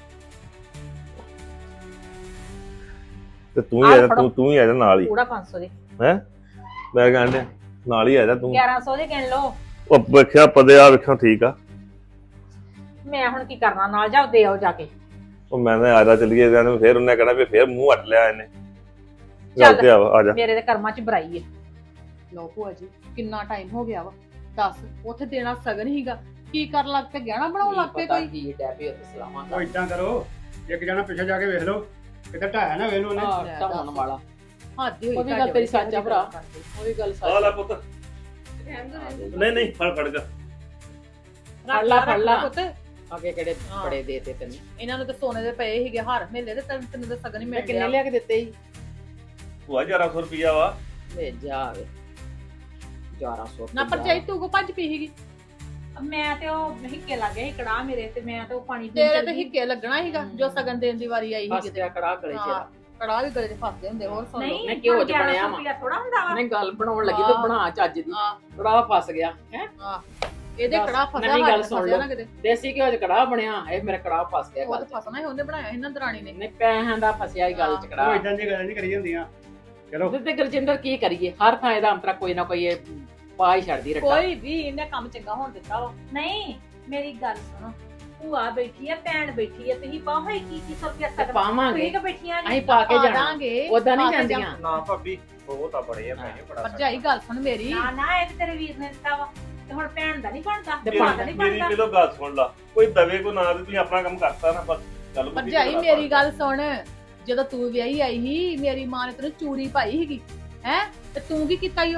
Speaker 6: ਤੇ ਤੂੰ ਹੀ
Speaker 3: ਆਹ
Speaker 6: ਆ ਜਾ
Speaker 3: ਫੜੋ।
Speaker 6: ਤੂੰ ਹੀ ਆ ਜਾ ਨਾਲ ਹੀ
Speaker 3: ਪੂਰਾ 500 ਦੇ
Speaker 6: ਮੈਂ ਕਹਿੰਦਾ ਨਾਲ ਹੀ ਆ ਜਾ ਤੂੰ
Speaker 3: 1100 ਦੇ ਗਿਣ ਲਓ
Speaker 6: ਉਹ ਵੇਖਿਆ ਪਦੇ ਆ ਵੇਖਿਆ ਠੀਕ ਆ
Speaker 3: ਮੈਂ ਹੁਣ ਕੀ ਕਰਨਾ ਨਾਲ ਜਾਓ ਦੇ ਆਓ ਜਾ ਕੇ
Speaker 6: ਉਹ ਮੈਂ ਤਾਂ ਆ ਜਾ ਚੱਲੀਏ ਜਾਨੂੰ ਫੇਰ ਉਹਨੇ ਕਹਿਣਾ ਵੀ ਫੇਰ ਮੂੰਹ ਹਟ ਲਿਆ ਇਹਨੇ
Speaker 3: ਚੱਲ।
Speaker 6: ਗੱਲ ਤੇ ਆ ਜਾ
Speaker 3: ਮੇਰੇ ਦੇ ਕਰਮਾਂ 'ਚ ਬੁਰਾਈ ਹੈ
Speaker 5: ਲਓ ਭੂਆ ਜੀ ਕਿੰਨਾ ਟਾਈਮ ਹੋ ਗਿਆ ਵਾ ਦੱਸ ਉੱਥੇ ਦੇਣਾ ਸਗਨ ਹੀਗਾ ਕੀ ਕਰਨ ਲੱਗ ਪਏ ਗਹਿਣਾ ਬਣਾਉਣ ਲੱਗ ਪਏ ਕੋਈ
Speaker 1: ਕੀ ਡੈਪੇ ਉੱਤੇ ਸਲਾਮਾਂ
Speaker 2: ਉਹ ਇਦਾਂ ਕਰੋ ਇੱਕ ਜਣਾ ਪਿੱਛੇ ਜਾ ਕੇ ਵੇਖ ਲਓ ਕਿਤੇ ਢਾਇਆ ਨਾ ਵੇਖ ਲਓ ਉਹਨੇ
Speaker 1: ਢਾਉਣ ਵਾਲਾ
Speaker 5: ਹੱਦ ਹੋਈ
Speaker 1: ਉਹ ਵੀ ਗੱਲ ਤੇਰੀ ਸੱਚ ਆ ਭਰਾ। ਉਹ ਵੀ ਗੱਲ
Speaker 6: ਆ ਲੈ
Speaker 1: ਸੱਚ
Speaker 6: ਪੁੱਤ ਨਹੀਂ ਨਹੀਂ ਫੜ ਜਾ
Speaker 1: ਫੜ ਲਾ, ਫੜ ਲਾ।
Speaker 5: ਪੁੱਤ
Speaker 1: ਅੱਗੇ ਕਿਹੜੇ
Speaker 5: ਹਾਂ।
Speaker 1: ਬੜੇ ਦੇਤੇ ਤੈਨੂੰ
Speaker 5: ਇਹਨਾਂ ਨੂੰ ਤਾਂ ਸੋਨੇ ਦੇ ਪਏ ਸੀਗੇ ਹਾਰ ਮੇਲੇ ਦੇ ਤੈਨੂੰ ਤਾਂ ਸਗਨ ਹੀ
Speaker 1: ਮੈਂ
Speaker 5: ਮਿਲ
Speaker 1: ਕਿੰਨੇ
Speaker 5: ਗਿਆ
Speaker 1: ਲਿਆ ਕੇ ਦਿੱਤੇ ਸੀ
Speaker 6: ਉਹ 1100 ਰੁਪਿਆ ਵਾ
Speaker 1: ਲੈ ਜਾ ਆਵੇ 1100
Speaker 5: ਨਾ ਪਰਚਾਈ ਤੂੰ ਕੋ ਭੱਜ ਪਈ ਸੀਗੀ
Speaker 3: ਮੈਂ ਤੇ ਉਹ ਹਿੱਕੇ ਲੱਗ ਗਿਆ ਸੀ ਕੜਾ ਮੇਰੇ ਤੇ ਮੈਂ ਤੇ ਉਹ ਪਾਣੀ ਪੀਣ
Speaker 5: ਤੇਰੇ
Speaker 3: ਚੱਲ
Speaker 5: ਤੇ
Speaker 3: ਗਈ।
Speaker 5: ਹਿੱਕੇ ਲੱਗਣਾ ਸੀਗਾ ਜੋ ਸਗਨ ਦੇਣ ਦੀ ਵਾਰੀ ਆਈ
Speaker 1: ਹੱਸ
Speaker 5: ਸੀਗੀ
Speaker 1: ਗਿਆ ਕੜਾ ਗਲੇ
Speaker 5: ਹਾਂ।
Speaker 1: ਚ
Speaker 5: ਕੜਾ ਵੀ ਗਲੇ 'ਚ ਫਸਦੇ ਹੁੰਦੇ ਹੋਰ ਸੁਣ ਲਓ
Speaker 3: ਨਹੀਂ
Speaker 1: ਮੈਂ ਘਿਓ 'ਚ ਬਣਿਆ ਵਾ।
Speaker 3: ਥੋੜਾ ਹੁੰਦਾ ਵਾ
Speaker 1: ਨਹੀਂ ਗੱਲ ਬਣਾਉਣ ਲੱਗੀ
Speaker 5: ਹਾਂ।
Speaker 1: ਤੂੰ ਬਣਾ ਚੱਜ ਦੀ
Speaker 5: ਹਾਂ
Speaker 1: ਕੜਾ ਫਸ ਗਿਆ ਹੈ
Speaker 5: ਇਹਦੇ
Speaker 1: ਦੱਸ,
Speaker 5: ਕੜਾ ਫਸਿਆ
Speaker 1: ਨਵੀਂ ਗੱਲ
Speaker 5: ਸਾਡੇ
Speaker 1: ਸੁਣ
Speaker 5: ਫਸਿਆ
Speaker 1: ਲਓ।
Speaker 5: ਨਾ ਕਿਤੇ
Speaker 1: ਦੇਸੀ ਘਿਓ 'ਚ ਕੜਾ ਬਣਿਆ ਇਹ ਮੇਰਾ ਕੜਾ ਫਸ ਗਿਆ
Speaker 5: ਉਹ
Speaker 1: ਗੱਲ
Speaker 5: ਤਾਂ ਫਸਣਾ ਹੀ ਉਹਨੇ ਬਣਾਇਆ ਇਹਨਾਂ ਦਰਾਣੀ ਨੇ
Speaker 1: ਨਹੀਂ ਪੈਸਿਆਂ ਦਾ ਫਸਿਆ ਹੀ ਗੱਲ 'ਚ
Speaker 2: ਉਹ
Speaker 1: ਕੜਾ
Speaker 2: ਇਦਾਂ ਦੀ ਗੱਲਾਂ ਨਹੀਂ ਕਰੀ ਹੁੰਦੀਆਂ ਚਲੋ
Speaker 1: ਉਹਦੇ ਤੇ ਗੁਰਜਿੰਦਰ ਕੀ ਕਰੀਏ ਹਰ ਥਾਂ ਇਹਦਾ ਅੰਤਰਾ ਕੋਈ ਨਾ ਕੋਈ ਇਹ ਪਾ ਹੀ ਛੱਡਦੀ ਰੱਟਾ
Speaker 5: ਕੋਈ ਵੀ ਇਹਨੇ ਕੰਮ ਚੰਗਾ ਹੋਣ ਦਿੱਤਾ ਵਾ
Speaker 3: ਨਹੀਂ ਮੇਰੀ ਗੱਲ ਸੁਣੋ ਭੂਆ ਬੈਠੀ ਆ ਭੈਣ ਬੈਠੀ ਆ ਤੁਸੀਂ ਪਾਓ ਹੈ ਕੀ ਰੁਪਿਆ
Speaker 1: ਤੇ
Speaker 3: ਸਕਦਾ
Speaker 1: ਪਾਵਾਂਗੇ
Speaker 3: ਤੁਸੀਂ ਕਿ ਬੈਠੀਆਂ
Speaker 1: ਅਸੀਂ ਪਾ ਕੇ ਜਾਣਾ
Speaker 5: ਦਾਂਗੇ
Speaker 1: ਉਦਾਂ ਨਹੀਂ
Speaker 5: ਪਾ ਕੇ
Speaker 1: ਜਾਂਦੀਆਂ
Speaker 6: ਨਾ ਭਾਬੀ ਉਹ ਤਾਂ ਬੜੇ ਆ ਪੈਸੇ ਬੜਾ
Speaker 5: ਭਰਜਾਈ ਗੱਲ ਸੁਣ ਮੇਰੀ
Speaker 3: ਨਾ ਨਾ ਇਹ ਤੇ ਤੇਰੇ ਵੀਰ ਨੇ ਦਿੱਤਾ ਵਾ ਤੇ ਹੁਣ ਭੈਣ ਦਾ ਨਹੀਂ ਬਣਦਾ
Speaker 1: ਤੇ
Speaker 3: ਭਰਾ ਦਾ ਨਹੀਂ
Speaker 6: ਮੇਰੀ
Speaker 3: ਬਣਦਾ
Speaker 6: ਕਿਲੋ ਗੱਲ ਸੁਣ ਲਾ ਕੋਈ ਦਵੇ ਕੋ ਨਾ ਤੇ ਤੁਸੀਂ ਆਪਣਾ ਕੰਮ ਕਰਤਾ ਨਾ ਬਸ ਗੱਲ ਮੁੱਕੀ
Speaker 5: ਭਰਜਾਈ
Speaker 6: ਤੇ
Speaker 5: ਮੇਰੀ ਗੱਲ ਸੁਣ ਜਦੋਂ ਤੂੰ ਵਿਆਹੀ ਆਈ ਸੀ ਮੇਰੀ ਮਾਂ ਨੇ ਤੈਨੂੰ ਚੂੜੀ ਪਾਈ ਸੀਗੀ ਹੈ ਤੇ ਤੂੰ ਕੀ ਕੀਤਾ ਈ ਉਹ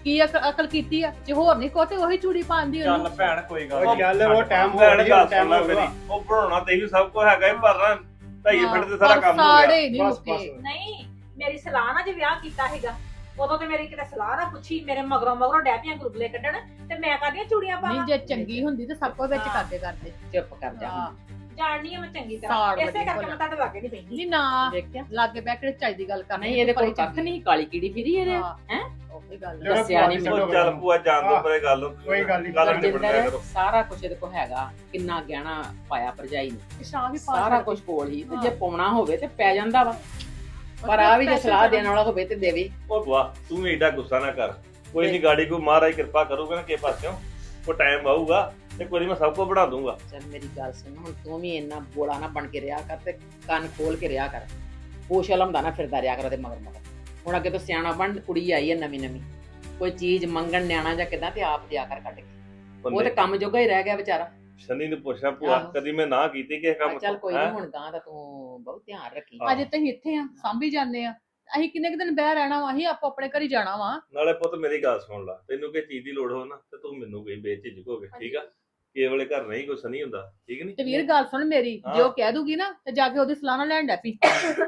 Speaker 5: ਕੀ ਅਕਲ ਕੀਤੀ ਆ ਜੇ ਹੋਰ ਨਹੀਂ ਕੋ ਤੇ ਉਹੀ ਚੂੜੀ ਪਾਉਂਦੀ
Speaker 6: ਚੱਲ
Speaker 5: ਉਹਨੂੰ
Speaker 6: ਭੈਣ ਕੋਈ ਗੱਲ
Speaker 2: ਉਹ
Speaker 6: ਨੀ।
Speaker 2: ਚੱਲ ਉਹ ਟਾਈਮ ਹੋ
Speaker 6: ਭੈਣ
Speaker 2: ਗਿਆ
Speaker 6: ਗੱਲ
Speaker 2: ਟਾਈਮ
Speaker 6: ਸੁਣ ਲੈ
Speaker 2: ਹੋ
Speaker 6: ਮੇਰੀ
Speaker 2: ਗਿਆ
Speaker 6: ਉਹ ਬਣਾਉਣਾ ਤੇ ਵੀ ਸਭ ਕੁਝ ਹੈਗਾ ਹੀ ਪਰ ਨਾ ਢਾਈ
Speaker 5: ਹਾਂ,
Speaker 6: ਫਿੱਟ ਤੇ ਸਾਰਾ
Speaker 5: ਪਰ
Speaker 6: ਕੰਮ ਹੋ ਗਿਆ
Speaker 5: ਸਾੜੇ ਨਹੀਂ
Speaker 2: ਬਸ
Speaker 5: ਮੁੱਕੇ
Speaker 2: ਬਸ
Speaker 3: ਨਹੀਂ ਮੇਰੀ ਸਲਾਹ ਨਾਲ ਜੇ ਵਿਆਹ ਕੀਤਾ ਹੈਗਾ ਉਦੋਂ ਤੇ ਮੇਰੀ ਕਿਤੇ ਸਲਾਹ ਨਾ ਪੁੱਛੀ ਮੇਰੇ ਮਗਰੋਂ ਡੈਪੀਆਂ ਗੁਰਗਲੇ ਕੱਢਣ ਤੇ ਮੈਂ ਕਾਹਦੀਆਂ ਚੂੜੀਆਂ
Speaker 5: ਨਹੀਂ
Speaker 3: ਪਾਵਾਂ
Speaker 5: ਜੇ ਚੰਗੀ ਹੁੰਦੀ ਤੇ ਸਭ ਕੁਝ ਵਿੱਚ
Speaker 3: ਹਾਂ।
Speaker 5: ਕਰਦੇ
Speaker 1: ਚੁੱਪ ਕਰ ਜਾ
Speaker 5: ਹਾਂ।
Speaker 3: ਜਾਣਨੀ ਆ ਮੈਂ ਚੰਗੀ
Speaker 5: ਸਾੜ
Speaker 3: ਤਰ੍ਹਾਂ
Speaker 5: ਵੱਡੀ
Speaker 3: ਇਸੇ ਕਰਕੇ
Speaker 5: ਭਲਾ।
Speaker 3: ਮੈਂ ਤੁਹਾਡੇ ਲਾਗੇ ਨਹੀਂ ਪੈਂਦੀ
Speaker 5: ਨਹੀਂ ਨਾ
Speaker 1: ਦੇਖਿਆ
Speaker 5: ਲਾਗੇ ਬਹਿ ਕੇ ਚਾਈ ਦੀ ਗੱਲ ਕਰਨੀ
Speaker 1: ਨਹੀਂ ਇਹਦੇ ਕੋਲ ਕੱਖ ਨਹੀਂ ਕਾਲੀ ਕੀੜੀ ਫਿਰੀ ਇਹਦੇ
Speaker 5: ਹਾਂ।
Speaker 1: ਹੈਂ?
Speaker 5: ਉਹੀ ਗੱਲ
Speaker 2: ਚਲੋ
Speaker 1: ਦੱਸਿਆ ਨੀ
Speaker 2: ਭੂਆ ਜੀ,
Speaker 6: ਉਹ ਚੱਲ ਭੂਆ ਜਾਣ ਦੋ
Speaker 2: ਹਾਂ।
Speaker 6: ਪਰੇ ਗੱਲ
Speaker 2: ਕੋਈ ਗੱਲ ਨੀ,
Speaker 6: ਗੱਲ
Speaker 2: ਕੋਈ
Speaker 6: ਨਿਬੜ ਲਿਆ
Speaker 1: ਜਿੰਦਰ
Speaker 6: ਕਰੋ
Speaker 1: ਸਾਰਾ ਕੁਝ ਇਹਦੇ ਕੋਲ ਹੈਗਾ ਕਿੰਨਾ ਗਹਿਣਾ ਪਾਇਆ ਭਰਜਾਈ ਨੇ
Speaker 5: ਸ਼ਾਹ ਵੀ ਪਾ
Speaker 1: ਸਾਰਾ ਕੁਝ ਕੋਲ ਹੀ ਤੇ ਜੇ ਪਾਉਣਾ ਹੋਵੇ ਤੇ ਪੈ ਜਾਂਦਾ ਵਾ ਪਰ ਆ ਵੀ ਜੇ ਸਲਾਹ ਦੇਣ ਵਾਲਾ ਹੋਵੇ ਤੇ ਦੇਵੇ
Speaker 6: ਉਹ ਵਾਹ ਤੂੰ ਵੀ ਏਡਾ ਗੁੱਸਾ ਨਾ ਕਰ ਕੋਈ ਨਹੀਂ ਗਾੜੀ ਕੋ ਮਹਾਰਾਜ ਕਿਰਪਾ ਕਰੂਗਾ ਨਾ ਕਿਸੇ ਪਾਸਿਓਂ ਉਹ ਟਾਈਮ ਆਊਗਾ ਤੇ ਕੋਈ ਨੀ ਮੈਂ ਸਭ ਕੁਝ ਬਣਾ ਦੂੰਗਾ
Speaker 1: ਚੱਲ ਮੇਰੀ ਗੱਲ ਸੁਣ ਹੁਣ ਤੂੰ ਵੀ ਇੰਨਾ ਬੋਲਾ ਨਾ ਬਣ ਕੇ ਰਿਹਾ ਕਰ ਤੇ ਕੰਨ ਖੋਲ ਕੇ ਰਿਹਾ ਕਰ ਪੋਸ਼ ਲੰਮਦਾ ਨਾ ਫਿਰਦਾ ਰਿਹਾ ਕਰ ਤੇ ਮਗਰ ਹੁਣ ਅੱਗੇ ਤੋਂ ਸਿਆਣਾ ਬਣ ਕੁੜੀ ਆਈ ਹੈ ਨਵੀਂ ਨਵੀਂ ਕੋਈ ਚੀਜ਼ ਮੰਗਣ ਨਿਆਣਾ ਜਾਂ ਕਿਦਾਂ ਤੇ ਆਪ ਦਿਆ ਕਰ ਕੱਢ ਕੇ ਉਹ ਤੇ ਕੰਮ ਜੋਗਾ ਹੀ ਰਹਿ ਗਿਆ ਵਿਚਾਰਾ
Speaker 6: ਸ਼ਨੀ ਨੂੰ ਪੁੱਛਿਆ ਭੂਆ
Speaker 1: ਆਹੋ।
Speaker 6: ਕਦੀ ਮੈਂ ਨਾ ਕੀਤੀ ਕਿਸੇ ਕੰਮ
Speaker 1: ਚੱਲ ਕੋਈ
Speaker 6: ਹੈਂ?
Speaker 1: ਨਹੀਂ ਹੁਣ ਗਾਂ ਦਾ ਤੂੰ ਬਹੁਤ ਧਿਆਨ ਰੱਖੀ
Speaker 6: ਹਾਂ।
Speaker 5: ਅਜੇ ਤੁਸੀਂ ਇੱਥੇ ਆ ਸਾਂਭੀ ਜਾਂਦੇ ਆ ਅਸੀਂ ਕਿੰਨੇ ਕੁ ਦਿਨ ਬਹਿ ਰਹਿਣਾ ਵਾ ਅਸੀਂ ਆਪੋ ਆਪਣੇ ਘਰ ਹੀ ਜਾਣਾ ਵਾ
Speaker 6: ਨਾਲੇ ਪੁੱਤ ਮੇਰੀ ਗੱਲ ਸੁਣ ਲਾ ਤੈਨੂੰ ਕਿਸੇ ਚੀਜ਼ ਦੀ ਲੋੜ ਹੋ ਨਾ ਤੇ ਤੂੰ ਮੈਨੂੰ ਕੋਈ ਬੇਝਿਜਕ ਹੋ ਕੇ ਠੀਕ ਆ ਕਿਸੇ ਵੇਲੇ ਘਰ ਨਹੀਂ ਕੁਛ ਨਹੀਂ ਹੁੰਦਾ ਠੀਕ ਨਹੀਂ
Speaker 5: ਤੇ ਵੀਰ ਗੱਲ ਸੁਣ ਮੇਰੀ
Speaker 6: ਹਾਂ।
Speaker 5: ਜੇ ਉਹ ਕਹਿ ਦੂਗੀ ਨਾ ਤੇ ਜਾ ਕੇ ਉਹਦੀ ਸਲਾਹ ਨਾਲ ਲੈਣ ਡੈ ਪਈ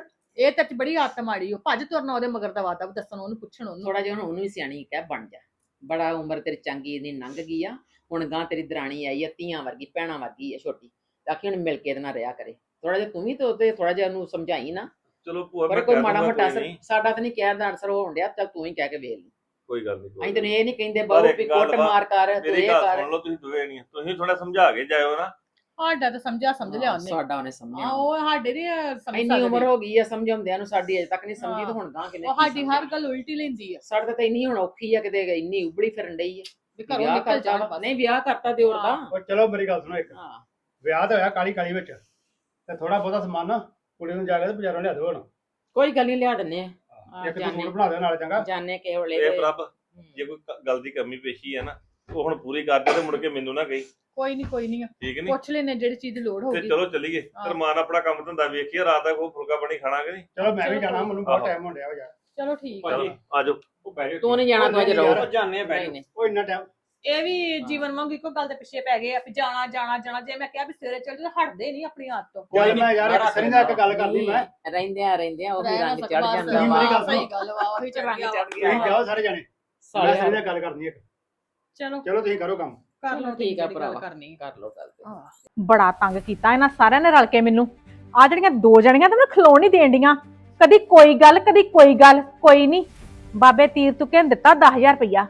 Speaker 5: ਇਹ ਤੇ ਬੜੀ ਆਦਤ ਮਾੜੀ ਉਹ ਭੱਜ ਤੁਰਨਾ ਉਹਦੇ ਮਗਰ ਦਾ ਵਾਦਾ ਦੱਸਣ ਉਹਨੂੰ ਪੁੱਛਣ ਉਹਨੂੰ
Speaker 1: ਥੋੜਾ ਜਿਹਾ ਹੁਣ ਉਹਨੂੰ ਵੀ ਸਿਆਣੀ ਕਹਿ ਬਣ ਜਾ ਬੜਾ ਉਮਰ ਤੇਰੀ ਚੰਗੀ ਦੀ ਲੰਘ ਗਈ ਆ ਹੁਣ ਗਾਂ ਤੇਰੀ ਦਰਾਣੀ ਆਈ ਆ ਧੀਆਂ ਵਰਗੀ ਭੈਣਾਂ ਵਰਗੀ ਆ ਛੋਟੀ ਤਾਂ ਕਿ ਹੁਣ ਮਿਲ ਕੇ ਇਹਦੇ ਨਾਲ ਰਿਹਾ ਕਰੇ ਥੋੜਾ ਜਿਹਾ ਤੂੰ ਵੀ ਤੇ ਉਹਦੇ ਥੋੜਾ ਜਿਹਾ ਉਹਨੂੰ ਸਮਝਾਈ ਨਾ
Speaker 6: ਚਲੋ ਭੂਆ
Speaker 1: ਪਰ
Speaker 6: ਮੈਂ
Speaker 1: ਕੋਈ
Speaker 6: ਕਹਿ
Speaker 1: ਮਾੜਾ
Speaker 6: ਦੂੰਗਾ
Speaker 1: ਮੋਟਾ
Speaker 6: ਕੋਈ
Speaker 1: ਅਸਰ
Speaker 6: ਨਹੀਂ
Speaker 1: ਸਾਡਾ ਤਾਂ ਨਹੀਂ ਕਹਿਣ ਦਾ ਅਸਰ ਹੋਣ ਡਿਆ ਚੱਲ ਤੂੰ ਹੀ ਕਹਿ ਕੇ ਵੇਖ ਲਈ
Speaker 6: ਕੋਈ ਗੱਲ ਨਹੀਂ
Speaker 1: ਅਸੀਂ ਤੈਨੂੰ ਇਹ ਨਹੀਂ ਕਹਿੰਦੇ
Speaker 6: ਪਰ
Speaker 1: ਬਹੁ
Speaker 6: ਇੱਕ
Speaker 1: ਵੀ
Speaker 6: ਗੱਲ
Speaker 1: ਕੁੱਟ
Speaker 6: ਵਾ,
Speaker 1: ਮਾਰ ਕਰ ਤੂੰ
Speaker 6: ਮੇਰੀ
Speaker 1: ਇਹ
Speaker 6: ਗੱਲ
Speaker 1: ਕਰ
Speaker 6: ਸੁਣ ਲਓ ਤੁਸੀਂ ਦੋਵੇਂ ਨਹੀਂ ਤੁਸੀਂ ਥੋੜਾ ਸਮਝਾ ਕੇ ਜਾਇਓ ਨਾ
Speaker 5: ਸਾਡਾ ਤਾਂ ਸਮਝ ਲਿਆ ਉਹਨੇ
Speaker 1: ਸਾਡਾ ਉਹਨੇ ਸਮਝਿਆ
Speaker 5: ਉਹ ਸਾਡੇ ਦੀ ਸਮਝ
Speaker 1: ਇੰਨੀ ਉਮਰ ਹੋ ਗਈ ਆ ਸਮਝਾਉਂਦਿਆਂ ਨੂੰ ਸਾਡੀ ਅਜੇ ਤੱਕ ਨਹੀਂ ਸਮਝੀ ਤੇ
Speaker 5: ਹਾਂ।
Speaker 1: ਹੁਣ ਗਾਂ ਕਿਨੇ
Speaker 5: ਉਹ ਸਾਡੀ ਹਰ ਗੱਲ ਉਲਟੀ ਲੈਂਦੀ ਆ
Speaker 1: ਸਾਡੇ ਤਾਂ ਇੰਨੀ ਹੁਣ ਔਖੀ ਆ ਕਿਤੇ ਇੰਨੀ ਉਬੜੀ ਫਿਰਨ ਡਈ ਆ
Speaker 5: ਵੀ ਘਰੋਂ
Speaker 1: ਵਿਆਹ
Speaker 5: ਨਿਕਲ
Speaker 1: ਕਰਤਾ
Speaker 5: ਜਾਣ
Speaker 1: ਵਾ। ਨਹੀਂ ਵਿਆਹ ਕਰਤਾ ਦਿਓਰ ਦਾ
Speaker 2: ਉਹ ਚਲੋ ਮੇਰੀ ਗੱਲ ਸੁਣੋ ਇੱਕ
Speaker 1: ਹਾਂ
Speaker 2: ਵਿਆਹ ਤਾਂ ਹੋਇਆ ਕਾਲੀ ਕਾਲੀ ਵਿੱਚ ਤੇ ਥੋੜਾ ਬਹੁਤਾ ਸਮਾਨ ਨਾ ਕੁੜੀ ਨੂੰ ਜਾ ਕੇ ਤੇ ਬਾਜ਼ਾਰੋਂ ਲਿਆ ਦਿਓ ਹੁਣ
Speaker 1: ਕੋਈ ਗੱਲ ਨਹੀਂ ਲਿਆ ਦਿੰਨੇ ਆ
Speaker 2: ਇੱਕ ਤੂੰ
Speaker 1: ਜਾਣੇ।
Speaker 2: ਸੂਟ ਬਣਾ ਦੇ ਨਾਲ ਚੰਗਾ
Speaker 1: ਜਾਣੇ ਕੇ ਵੇਲੇ
Speaker 6: ਇਹ ਪ੍ਰਭ ਜੇ ਕੋਈ ਗੱਲ ਦੀ ਕਮੀ ਪੇਸ਼ੀ ਹੈ ਨਾ ਉਹ ਹੁਣ ਪੂਰੀ ਕਰ ਦੇ ਤੇ ਮੁੜ ਕੇ ਮੈਨੂੰ ਨਾ ਕਹੀ
Speaker 5: ਕੋਈ ਨਹੀਂ
Speaker 6: ਠੀਕ ਨਹੀਂ
Speaker 5: ਪੁੱਛ ਲੈਨੇ ਜਿਹੜੀ ਚੀਜ਼ ਦੀ ਲੋੜ
Speaker 6: ਤੇ
Speaker 5: ਹੋਊਗੀ
Speaker 6: ਚਲੋ ਚੱਲੀਏ
Speaker 5: ਹਾਂ।
Speaker 6: ਰਮਾਨ ਆਪਣਾ ਕੰਮ ਧੰਦਾ ਵੇਖੀਏ ਰਾਤ ਤੱਕ ਉਹ ਫੁਲਕਾ ਬਣੀ ਖਾਣਾ ਕਿ ਨਹੀਂ
Speaker 2: ਚਲੋ ਮੈਂ ਵੀ
Speaker 5: ਚਲੋ
Speaker 2: ਜਾਣਾ ਮੈਨੂੰ ਬਹੁਤ
Speaker 6: ਆਹੋ।
Speaker 2: ਟਾਈਮ ਹੋ ਰਿਹਾ ਯਾਰ
Speaker 5: ਚਲੋ ਠੀਕ ਆ
Speaker 6: ਚਲੋ ਆਜੋ
Speaker 2: ਉਹ ਬਹਿ ਜਾ
Speaker 1: ਤੂੰ ਨਹੀਂ ਜਾਣਾ ਤੂੰ ਅਜੇ ਰਹੋ
Speaker 2: ਯਾਰ,
Speaker 6: ਜਾਣੇ
Speaker 1: ਨਹੀਂ ਨਹੀਂ
Speaker 2: ਉਹ ਇੰਨਾ ਟਾਈਮ
Speaker 5: ਇਹ ਵੀ ਜੀਵਨ ਵਾਂਗ ਇੱਕੋ ਗੱਲ ਦੇ ਪਿੱਛੇ ਪੈ ਗਏ ਆ ਵੀ ਜਾਣਾ ਜਾਣਾ ਜਾਣਾ ਜੇ ਮੈਂ ਕਿਹਾ ਵੀ ਸਵੇਰੇ ਚੱਲ ਜਾ ਹਟਦੇ ਨਹੀਂ ਆਪਣੀ ਆਦਤ ਤੋਂ
Speaker 2: ਚੱਲ ਮੈਂ ਯਾਰ ਇੱਕ ਸਰੀ ਨਾਲ ਇੱਕ ਗੱਲ ਕਰਦੀ ਮੈਂ
Speaker 1: ਰਹਿੰਦਿਆਂ ਉਹ ਵੀ
Speaker 5: ਰਹਿ ਨਾ
Speaker 1: ਰੰਗ ਚੜ
Speaker 5: ਸਕਦਾ,
Speaker 1: ਜਾਂਦਾ
Speaker 2: ਤੁਸੀਂ ਮੇਰੀ ਗੱਲ
Speaker 1: ਵਾ
Speaker 5: ਸਹੀ ਗੱਲ ਵਾ ਉਹੀ ਚੜ
Speaker 1: ਰੰਗ
Speaker 5: ਗਿਆ
Speaker 1: ਚੜ
Speaker 2: ਤੁਸੀਂ
Speaker 1: ਗਿਆ
Speaker 2: ਜਾਓ ਸਾਰੇ ਜਾਣੇ ਮੈਂ
Speaker 1: ਸਾਲੇ
Speaker 2: ਸਰੀ ਨਾਲ ਗੱਲ ਕਰਨੀ ਇੱਕ
Speaker 5: ਚਲੋ
Speaker 2: ਚਲੋ ਤੁਸੀਂ ਕਰੋ ਕੰਮ
Speaker 5: ਕਰ ਲਓ
Speaker 1: ਠੀਕ ਆ
Speaker 5: ਜਿਹੜੀ ਗੱਲ
Speaker 1: ਭਰਾਵਾ
Speaker 5: ਕਰਨੀ
Speaker 1: ਕਰ ਲੋ ਗੱਲ ਤੇ।
Speaker 3: ਬੜਾ ਤੰਗ ਕੀਤਾ ਇਹਨਾਂ ਸਾਰਿਆਂ ਨੇ ਰਲ ਕੇ ਮੈਨੂੰ ਆ ਜਿਹੜੀਆਂ ਦੋ ਜਣੀਆਂ ਤਾਂ ਮੈਨੂੰ ਖਲੋਣ ਨਹੀਂ ਦੇਣ ਡੀਆਂ ਕਦੀ ਕੋਈ ਗੱਲ ਕਦੀ ਕੋਈ ਗੱਲ ਕੋਈ ਨਹੀਂ ਬਾਬੇ ਤੀਰ ਤੁਕੇ ਨੇ ਦਿੱਤਾ 10000 ਰੁਪਇਆ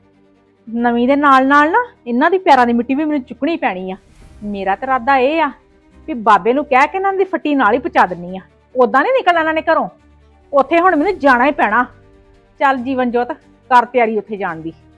Speaker 3: ਨਵੀਂ ਦੇ ਨਾਲ ਨਾਲ ਨਾ ਇਹਨਾਂ ਦੀ ਪੈਰਾਂ ਦੀ ਮਿੱਟੀ ਵੀ ਮੈਨੂੰ ਚੁੱਕਣੀ ਪੈਣੀ ਆ ਮੇਰਾ ਤਾਂ ਇਰਾਦਾ ਇਹ ਆ ਵੀ ਬਾਬੇ ਨੂੰ ਕਹਿ ਕੇ ਇਹਨਾਂ ਦੀ ਫੱਟੀ ਨਾਲ ਹੀ ਪਹੁੰਚਾ ਦਿੰਨੀ ਆ ਉਦਾਂ ਨਹੀਂ ਨਿਕਲਣਾ ਇਹਨਾਂ ਨੇ ਘਰੋਂ ਉੱਥੇ ਹੁਣ ਮੈਨੂੰ ਜਾਣਾ ਹੀ ਪੈਣਾ ਚੱਲ ਜੀਵਨ ਜੋਤ ਕਰ ਤਿਆਰੀ ਉੱਥੇ ਜਾਣ ਦੀ